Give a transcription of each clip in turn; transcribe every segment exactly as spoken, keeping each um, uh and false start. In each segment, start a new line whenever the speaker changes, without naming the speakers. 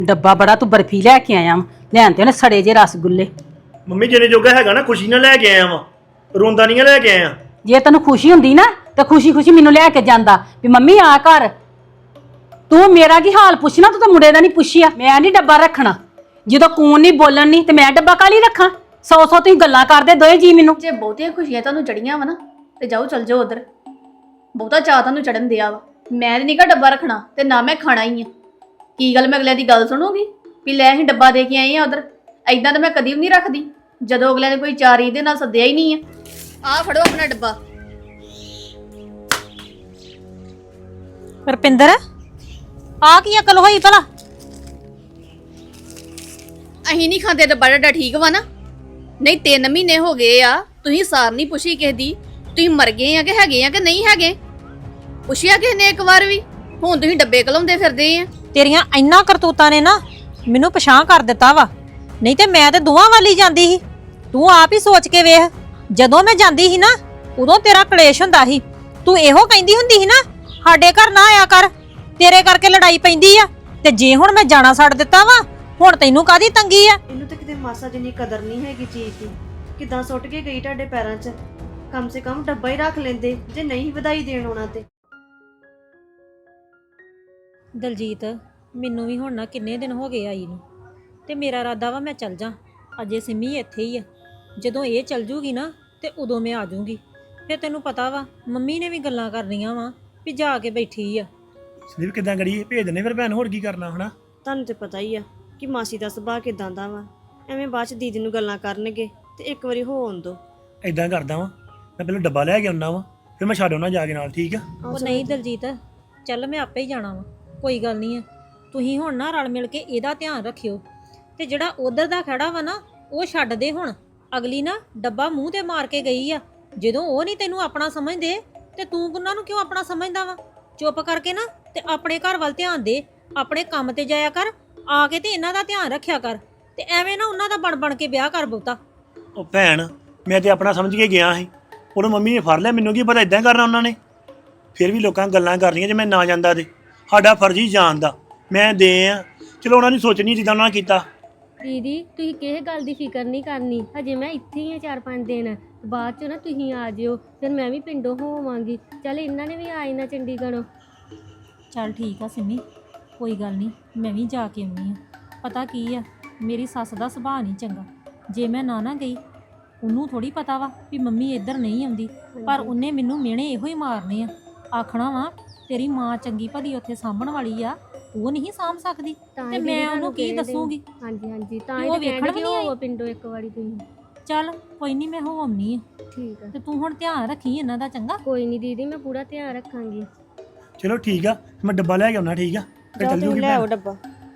ਡੱਬਾ ਬੜਾ ਤੂੰ ਬਰਫੀ ਲੈ ਕੇ ਆਇਆ ਵਾ ਲੈਣ ਤੇ ਉਹਨੇ ਸੜੇ ਜੇ ਰਸਗੁੱਲੇ।
ਮੰਮੀ ਜਿਹਨੇ ਜੋਗਾ ਹੈਗਾ ਨਾ ਖੁਸ਼ੀ ਨਾਲ ਲੈ ਕੇ ਆਇਆ ਵਾਂ, ਰੋਂਦਾ ਨਹੀਂ ਲੈ ਕੇ ਆਇਆ।
ਜੇ ਤੈਨੂੰ ਖੁਸ਼ੀ ਹੁੰਦੀ ਨਾ ਤਾਂ ਖੁਸ਼ੀ ਖੁਸ਼ੀ ਮੈਨੂੰ ਲੈ ਕੇ ਜਾਂਦਾ ਵੀ ਮੰਮੀ ਆ ਘਰ। ਤੂੰ ਮੇਰਾ ਕੀ ਹਾਲ ਪੁੱਛਣਾ, ਤੂੰ ਤਾਂ ਮੁੰਡੇ ਦਾ ਨਹੀਂ ਪੁੱਛਿਆ। ਮੈਂ ਨਹੀਂ ਡੱਬਾ ਰੱਖਣਾ, ਜਦੋਂ ਕੂਨ ਨਹੀਂ ਬੋਲਣ ਨਹੀਂ ਤੇ ਮੈਂ ਡੱਬਾ ਕਾਲੀ ਰੱਖਾਂ। ਸੌ ਸੌ ਤੁਸੀਂ ਗੱਲਾਂ ਕਰਦੇ ਦੋਏ ਜੀ ਮੈਨੂੰ।
ਜੇ ਬਹੁਤੀਆਂ ਖੁਸ਼ੀਆਂ ਤੁਹਾਨੂੰ ਚੜੀਆਂ ਵਾ ਨਾ ਤੇ ਜਾਓ ਚਲ ਜਾਓ ਉਧਰ। ਬਹੁਤਾ ਚਾਹ ਤੁਹਾਨੂੰ ਚੜਨ ਦਿਆ ਵਾ। ਮੈਂ ਤੇ ਨੀਗਾ ਡੱਬਾ ਰੱਖਣਾ ਤੇ ਨਾ ਮੈਂ ਖਾਣਾ ਹੀ ਆ। ਕੀ ਗੱਲ ਮੈਂ ਅਗਲਿਆਂ ਦੀ ਗੱਲ ਸੁਣੂਗੀ ਵੀ ਲੈ ਅਸੀਂ ਡੱਬਾ ਦੇ ਕੇ ਆਏ ਆ ਉਧਰ? ਐਦਾਂ ਤਾਂ ਮੈਂ ਕਦੀ ਵੀ ਨਹੀਂ ਰੱਖਦੀ ਜਦੋਂ ਅਗਲਿਆਂ ਨੇ ਕੋਈ ਚਾਰੀ ਦੇ ਨਾਲ ਸੱਦਿਆ ਹੀ ਨਹੀਂ ਆ। ਆ ਫੜੋ ਆਪਣਾ ਡੱਬਾ।
ਰਪਿੰਦਰ ਆ ਕੀ ਅਕਲ ਹੋਈ ਭਲਾ?
ਅਸੀਂ ਨਹੀਂ ਖਾਂਦੇ ਡੱਬਾ ਡੱਡਾ, ਠੀਕ ਵਾ ਨਾ? ਨਹੀਂ ਤਿੰਨ ਮਹੀਨੇ ਹੋ ਗਏ ਆ, ਤੁਸੀਂ ਸਾਰ ਨਹੀਂ ਪੁੱਛੀ ਕਿਸੇ ਦੀ। ਤੁਸੀਂ ਮਰ ਗਏ ਆ ਕਿ ਹੈਗੇ ਆ ਕਿ ਨਹੀਂ ਹੈਗੇ? ਪੁੱਛਿਆ ਕਿਸੇ ਨੇ ਇੱਕ ਵਾਰ ਵੀ? ਹੁਣ ਤੁਸੀਂ ਡੱਬੇ ਕਲਾਉਂਦੇ ਫਿਰਦੇ ਆ।
ਤੇਰੀਆਂ ਇੰਨਾ ਕਰਤੂਤਾਂ ਨੇ ਨਾ ਮੈਨੂੰ ਪਛਾਣ ਕਰ ਦਿੱਤਾ ਵਾ। ਨਹੀਂ ਤੇ ਮੈਂ ਤੇ ਦੋਵਾਂ ਵਾਲੀ ਜਾਂਦੀ ਸੀ। ਤੂੰ ਆਪ ਹੀ ਸੋਚ ਕੇ ਵੇਖ, ਜਦੋਂ ਮੈਂ ਜਾਂਦੀ ਸੀ ਨਾ ਉਦੋਂ ਤੇਰਾ ਕਲੇਸ਼ ਹੁੰਦਾ ਸੀ। ਤੂੰ ਇਹੋ ਕਹਿੰਦੀ ਹੁੰਦੀ ਸੀ ਨਾ ਸਾਡੇ ਘਰ ਨਾ ਆਇਆ ਕਰ, ਤੇਰੇ ਕਰਕੇ ਲੜਾਈ ਪੈਂਦੀ ਆ। ਤੇ ਜੇ ਹੁਣ ਮੈਂ ਜਾਣਾ ਛੱਡ ਦਿੱਤਾ ਵਾ, ਹੁਣ ਤੈਨੂੰ ਕਾਹਦੀ ਤੰਗੀ ਆ?
ਇਹਨੂੰ ਤਾਂ ਕਿਤੇ ਮਾਸਾ ਜਿੰਨੀ ਕਦਰ ਨਹੀਂ ਹੈਗੀ ਚੀਜ਼ ਦੀ। ਕਿਦਾਂ ਸੁੱਟ ਕੇ ਗਈ ਤੁਹਾਡੇ ਪੈਰਾਂ 'ਚ? ਕਮ ਸੇ ਕਮ ਡੱਬਾ ਹੀ ਰੱਖ ਲੈਂਦੇ ਜੇ ਨਹੀਂ ਵਧਾਈ ਦੇਣ ਆਉਣਾ ਤੇ।
ਦਲਜੀਤ ਮੈਨੂੰ ਵੀ ਹੁਣ ਨਾ ਕਿੰਨੇ ਦਿਨ ਹੋ ਗਏ ਆਈ ਨੂੰ, ਤੇ ਮੇਰਾ ਇਰਾਦਾ ਵਾ ਮੈਂ ਚੱਲ ਜਾ। ਅਜੇ ਸਿੰਮੀ ਇੱਥੇ ਹੀ ਆ, ਜਦੋਂ ਇਹ ਚੱਲ ਜੂਗੀ ਨਾ ਤੇ ਉਦੋਂ ਮੈਂ ਆ ਜਾਊਂਗੀ। ਫਿਰ ਤੈਨੂੰ ਪਤਾ ਵਾ ਮੰਮੀ ਨੇ ਵੀ ਗੱਲਾਂ ਕਰਨੀਆਂ ਵਾ ਵੀ ਜਾ ਕੇ ਬੈਠੀ ਆ।
ਸੰਦੀਪ ਕਿੱਦਾਂ ਕਰੀਏ? ਭੇਜ ਦਿੰਦੇ ਫਿਰ ਭੈਣ, ਹੋਰ ਕੀ ਕਰਨਾ ਹਨਾ।
ਤੁਹਾਨੂੰ ਤੇ ਪਤਾ ਹੀ ਆ ਕਿ ਮਾਸੀ ਦਾ ਸੁਭਾਅ ਕਿਦਾਂ ਦਾ ਵਾ। ਐਵੇਂ ਬਾਅਦ 'ਚ ਦੀਦੀ ਨੂੰ ਗੱਲਾਂ ਕਰਨਗੇ ਤੇ ਇੱਕ ਵਾਰੀ ਹੋ ਆਉਣ ਦੋ।
ਇਦਾਂ ਕਰਦਾ ਵਾਂ, ਮੈਂ ਪਹਿਲਾਂ ਡੱਬਾ ਲੈ ਕੇ ਆਉਣਾ ਵਾ, ਫਿਰ ਮੈਂ ਛੱਡ ਆਉਣਾ ਜਾ ਕੇ ਨਾਲ, ਠੀਕ ਆ?
ਉਹ ਨਹੀਂ ਦਲਜੀਤ, ਚੱਲ ਮੈਂ ਆਪੇ ਹੀ ਜਾਣਾ ਵਾ, ਕੋਈ ਗੱਲ ਨਹੀਂ ਆ। ਤੁਸੀਂ ਹੁਣ ਨਾ ਰਲ ਮਿਲ ਕੇ ਇਹਦਾ ਧਿਆਨ ਰੱਖਿਓ, ਤੇ ਜਿਹੜਾ ਉਧਰ ਦਾ ਖੜਾ ਵਾ ਨਾ ਉਹ ਛੱਡ ਦੇ ਹੁਣ। ਅਗਲੀ ਨਾ ਡੱਬਾ ਮੂੰਹ ਤੇ ਮਾਰ ਕੇ ਗਈ ਆ। ਜਦੋਂ ਉਹ ਨਹੀਂ ਤੈਨੂੰ ਆਪਣਾ ਸਮਝਦੇ ਤੇ ਤੂੰ ਉਹਨਾਂ ਨੂੰ ਕਿਉਂ ਆਪਣਾ ਸਮਝਦਾ ਵਾ? ਚੁੱਪ ਕਰਕੇ ਨਾ ਤੇ ਆਪਣੇ ਘਰ ਵੱਲ ਧਿਆਨ ਦੇ, ਆਪਣੇ ਕੰਮ ਤੇ ਜਾਇਆ ਕਰ, ਆ ਕੇ ਤੇ ਇਹਨਾਂ ਦਾ ਧਿਆਨ ਰੱਖਿਆ ਕਰ। ਤੇ ਐਵੇਂ ਨਾ ਉਹਨਾਂ ਦਾ ਬਣ ਬਣ ਕੇ ਵਿਆਹ ਕਰ ਬਹੁਤਾ।
ਉਹ ਭੈਣ ਮੈਂ ਤੇ ਆਪਣਾ ਸਮਝ ਕੇ ਗਿਆ ਸੀ, ਉਹਨੂੰ ਮੰਮੀ ਨੇ ਫੜ ਲਿਆ। ਮੈਨੂੰ ਕੀ ਪਤਾ ਇਦਾਂ ਕਰਨਾ ਉਹਨਾਂ ਨੇ। ਫਿਰ ਵੀ ਲੋਕਾਂ ਗੱਲਾਂ ਕਰਨੀਆਂ ਜੇ ਮੈਂ ਨਾ ਜਾਂਦਾ ਤੇ। ਸਾਡਾ ਫਰਜ਼ ਹੀ ਜਾਣ ਦਾ, ਮੈਂ ਦੇ ਆ। ਚਲੋ ਉਹਨਾਂ ਦੀ ਸੋਚਣੀ ਜਿੱਦਾਂ ਉਹਨਾਂ ਨੇ ਕੀਤਾ।
ਦੀਦੀ ਤੁਸੀਂ ਕਿਸੇ ਗੱਲ ਦੀ ਫਿਕਰ ਨਹੀਂ ਕਰਨੀ, ਹਜੇ ਮੈਂ ਇੱਥੇ ਹੀ ਆ ਚਾਰ ਪੰਜ ਦਿਨ। ਬਾਅਦ ਚ ਨਾ ਤੁਸੀਂ ਆ ਜਿਓ, ਫਿਰ ਮੈਂ ਵੀ ਪਿੰਡੋਂ ਹੋਵਾਂਗੀ। ਚੱਲ ਇਹਨਾਂ ਨੇ ਵੀ ਆ ਜਾਣਾ ਚੰਡੀਗੜ੍ਹੋਂ।
ਚੱਲ ਠੀਕ ਆ ਸਿੰਮੀ, ਕੋਈ ਗੱਲ ਨਹੀਂ, ਮੈਂ ਵੀ ਜਾ ਕੇ ਆਉਣੀ ਆ। ਪਤਾ ਕੀ ਆ, ਮੇਰੀ ਸੱਸ ਦਾ ਸੁਭਾਅ ਨਹੀਂ ਚੰਗਾ। ਜੇ ਮੈਂ ਨਾ ਨਾ ਗਈ, ਉਹਨੂੰ ਥੋੜੀ ਪਤਾ ਵਾ ਵੀ ਮੰਮੀ ਇੱਧਰ ਨਹੀਂ ਆਉਂਦੀ, ਪਰ ਉਹਨੇ ਮੈਨੂੰ ਮਿਹਣੇ ਇਹੋ ਹੀ ਮਾਰਨੇ ਆ। ਆਖਣਾ ਵਾ ਤੇਰੀ ਮਾਂ ਚੰਗੀ ਭਲੀ ਉੱਥੇ ਸਾਂਭਣ ਵਾਲੀ ਆ, ਉਹ ਨਹੀਂ ਸਾਂਭ ਸਕਦੀ, ਤੇ ਮੈਂ ਉਹਨੂੰ ਕੀ ਦੱਸੂਗੀ?
ਹਾਂਜੀ ਹਾਂਜੀ, ਤਾਂ
ਉਹ
ਹੀ
ਵੇਖਣ ਵੀ ਨਹੀਂ ਆਈ
ਪਿੰਡੋਂ ਇੱਕ ਵਾਰੀ ਤੁਸੀਂ।
ਚੱਲ ਕੋਈ ਨਹੀਂ, ਮੈਂ ਹੋ ਆਉਣੀ ਆ।
ਠੀਕ ਆ,
ਤੇ ਤੂੰ ਹੁਣ ਧਿਆਨ ਰੱਖੀ ਇਹਨਾਂ ਦਾ, ਚੰਗਾ?
ਕੋਈ ਨਹੀਂ ਦੀਦੀ, ਮੈਂ ਪੂਰਾ ਧਿਆਨ ਰੱਖਾਂਗੀ।
ਚਲੋ ਠੀਕ ਆ, ਮੈਂ ਡੱਬਾ ਲੈ ਕੇ ਆਉਣਾ, ਠੀਕ ਆ? ਫਿਰ ਚੱਲ ਜੂਗੀ
ਲੈ ਆਓ
ਭੈਣ।
ਡੱਬਾ।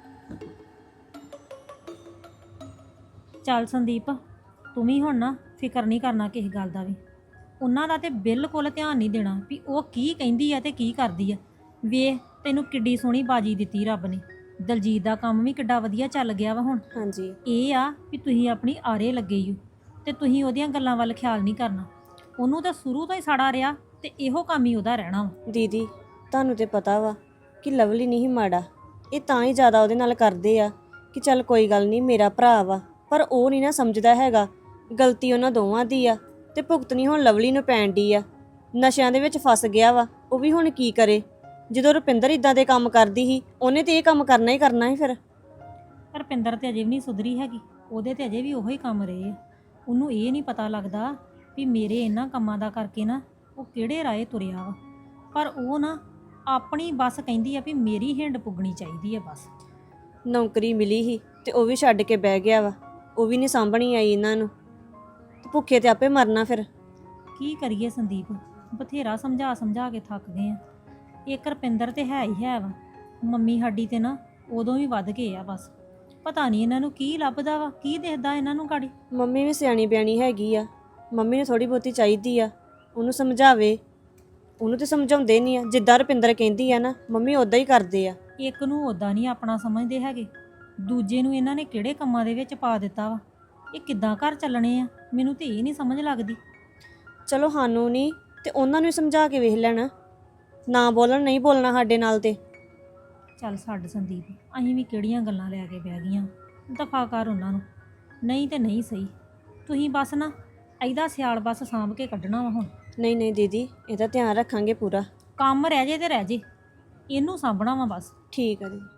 ਚੱਲ ਸੰਦੀਪ, ਤੂੰ ਵੀ ਹੁਣ ਨਾ ਫਿਕਰ ਨਹੀਂ ਕਰਨਾ ਕਿਸੇ ਗੱਲ ਦਾ ਵੀ। ਉਹਨਾਂ ਦਾ ਤੇ ਬਿਲਕੁਲ ਧਿਆਨ ਨਹੀਂ ਦੇਣਾ ਵੀ ਉਹ ਕੀ ਕਹਿੰਦੀ ਆ ਤੇ ਕੀ ਕਰਦੀ ਆ। ਵੇਖ ਤੈਨੂੰ ਕਿੱਡੀ ਸੋਹਣੀ ਬਾਜੀ ਦਿੱਤੀ ਰੱਬ ਨੇ। ਦਲਜੀਤ ਦਾ ਕੰਮ ਵੀ ਕਿੱਡਾ ਵਧੀਆ ਚੱਲ ਗਿਆ ਵਾ ਹੁਣ।
ਹਾਂਜੀ,
ਇਹ ਆ ਵੀ ਤੁਸੀਂ ਆਪਣੀ ਆਰੇ ਲੱਗੇ ਹੋ ਤੇ ਤੁਸੀਂ ਉਹਦੀਆਂ ਗੱਲਾਂ ਵੱਲ ਖਿਆਲ ਨਹੀਂ ਕਰਨਾ। ਉਹਨੂੰ ਤਾਂ ਸ਼ੁਰੂ ਤੋਂ ਹੀ ਸਾੜਾ ਰਿਹਾ ਤੇ ਇਹੋ ਕੰਮ ਹੀ ਉਹਦਾ ਰਹਿਣਾ ਵਾ।
ਦੀਦੀ ਤੁਹਾਨੂੰ ਤੇ ਪਤਾ ਵਾ ਕਿ ਲਵਲੀ ਨਹੀਂ ਮਾੜਾ। ਇਹ ਤਾਂ ਹੀ ਜ਼ਿਆਦਾ ਉਹਦੇ ਨਾਲ ਕਰਦੇ ਆ ਕਿ ਚੱਲ ਕੋਈ ਗੱਲ ਨਹੀਂ, ਮੇਰਾ ਭਰਾ ਵਾ। ਪਰ ਉਹ ਨਹੀਂ ਨਾ ਸਮਝਦਾ ਹੈਗਾ, ਗਲਤੀ ਉਹਨਾਂ ਦੋਵਾਂ ਦੀ ਆ ਤੇ ਭੁਗਤਣੀ ਹੁਣ ਲਵਲੀ ਨੂੰ ਪੈਣ ਦੀ ਆ। ਨਸ਼ਿਆਂ ਦੇ ਵਿੱਚ ਫਸ ਗਿਆ ਵਾ, ਉਹ ਵੀ ਹੁਣ ਕੀ ਕਰੇ? ਜਦੋਂ ਰੁਪਿੰਦਰ ਇਦਾਂ ਦੇ ਕੰਮ ਕਰਦੀ ਸੀ, ਉਹਨੇ ਤੇ ਇਹ ਕੰਮ ਕਰਨਾ ਹੀ ਕਰਨਾ ਸੀ। ਫਿਰ
ਰੁਪਿੰਦਰ ਤੇ ਅਜੇ ਵੀ ਨਹੀਂ ਸੁਧਰੀ ਹੈਗੀ, ਉਹਦੇ ਤੇ ਅਜੇ ਵੀ ਉਹੋ ਹੀ ਕੰਮ ਰਹੇ ਆ। ਉਹਨੂੰ ਇਹ ਨਹੀਂ ਪਤਾ ਲੱਗਦਾ ਵੀ ਮੇਰੇ ਇਹਨਾਂ ਕੰਮਾਂ ਦਾ ਕਰਕੇ ਨਾ ਉਹ ਕਿਹੜੇ ਰਾਏ ਤੁਰਿਆ ਵਾ। ਪਰ ਉਹ ਨਾ ਆਪਣੀ ਬਸ ਕਹਿੰਦੀ ਆ ਵੀ ਮੇਰੀ ਹਿੰਡ ਪੁੱਗਣੀ ਚਾਹੀਦੀ ਆ ਬਸ।
ਨੌਕਰੀ ਮਿਲੀ ਸੀ ਤੇ ਉਹ ਵੀ ਛੱਡ ਕੇ ਬਹਿ ਗਿਆ ਵਾ। ਉਹ ਵੀ ਨਹੀਂ ਸਾਂਭਣੀ ਆਈ ਇਹਨਾਂ ਨੂੰ, ਤੇ ਭੁੱਖੇ ਤੇ ਆਪੇ ਮਰਨਾ। ਫਿਰ
ਕੀ ਕਰੀਏ ਸੰਦੀਪ, ਬਥੇਰਾ ਸਮਝਾ ਸਮਝਾ ਕੇ ਥੱਕ ਗਏ ਆ। ਇੱਕ ਰੁਪਿੰਦਰ ਤੇ ਹੈ ਹੀ ਹੈ ਵਾ, ਮੰਮੀ ਸਾਡੀ ਤੇ ਨਾ ਉਦੋਂ ਵੀ ਵੱਧ ਗਏ ਆ ਬਸ। ਪਤਾ ਨਹੀਂ ਇਹਨਾਂ ਨੂੰ ਕੀ ਲੱਭਦਾ ਵਾ, ਕੀ ਦਿਖਦਾ ਇਹਨਾਂ ਨੂੰ ਗਾੜੀ।
ਮੰਮੀ ਵੀ ਸਿਆਣੀ ਬਿਆਣੀ ਹੈਗੀ ਆ, ਮੰਮੀ ਨੂੰ ਥੋੜੀ ਬਹੁਤੀ ਚਾਹੀਦੀ ਆ ਉਹਨੂੰ ਸਮਝਾਵੇ। ਉਹਨੂੰ ਤੇ ਸਮਝਾਉਂਦੇ ਨਹੀਂ ਆ, ਜਿੱਦਾਂ ਰੁਪਿੰਦਰ ਕਹਿੰਦੀ ਆ ਨਾ ਮੰਮੀ ਉਦਾਂ ਹੀ ਕਰਦੇ ਆ।
ਇੱਕ ਨੂੰ ਉਦਾਂ ਨਹੀਂ ਆਪਣਾ ਸਮਝਦੇ ਹੈਗੇ, ਦੂਜੇ ਨੂੰ ਇਹਨਾਂ ਨੇ ਕਿਹੜੇ ਕੰਮਾਂ ਦੇ ਵਿੱਚ ਪਾ ਦਿੱਤਾ ਵਾ। ਇਹ ਕਿੱਦਾਂ ਘਰ ਚੱਲਣੇ ਆ, ਮੈਨੂੰ ਤੇ ਇਹ ਨਹੀਂ ਸਮਝ ਲੱਗਦੀ।
ਚਲੋ ਸਾਨੂੰ ਨਹੀਂ ਤੇ ਉਹਨਾਂ ਨੂੰ ਸਮਝਾ ਕੇ ਵੇਖ ਲੈਣਾ, ਨਾ ਬੋਲਣ, ਨਹੀਂ ਬੋਲਣਾ ਸਾਡੇ ਨਾਲ ਤੇ।
ਚੱਲ ਛੱਡ ਸੰਦੀਪ, ਅਸੀਂ ਵੀ ਕਿਹੜੀਆਂ ਗੱਲਾਂ ਲੈ ਕੇ ਬਹਿ ਗਈਆਂ। ਦਫਾ ਕਰ ਉਹਨਾਂ ਨੂੰ, ਨਹੀਂ ਤੇ ਨਹੀਂ ਸਹੀ। ਤੁਸੀਂ ਬਸ ਨਾ ਇਹਦਾ ਸਿਆਲ ਬਸ ਸਾਂਭ ਕੇ ਕੱਢਣਾ ਵਾ ਹੁਣ।
ਨਹੀਂ ਨਹੀਂ ਦੀਦੀ, ਇਹਦਾ ਧਿਆਨ ਰੱਖਾਂਗੇ ਪੂਰਾ।
ਕੰਮ ਰਹਿ ਜੇ ਤੇ ਰਹਿ ਜੇ, ਇਹਨੂੰ ਸਾਂਭਣਾ ਵਾ ਬਸ।
ਠੀਕ ਆ ਦੀਦੀ।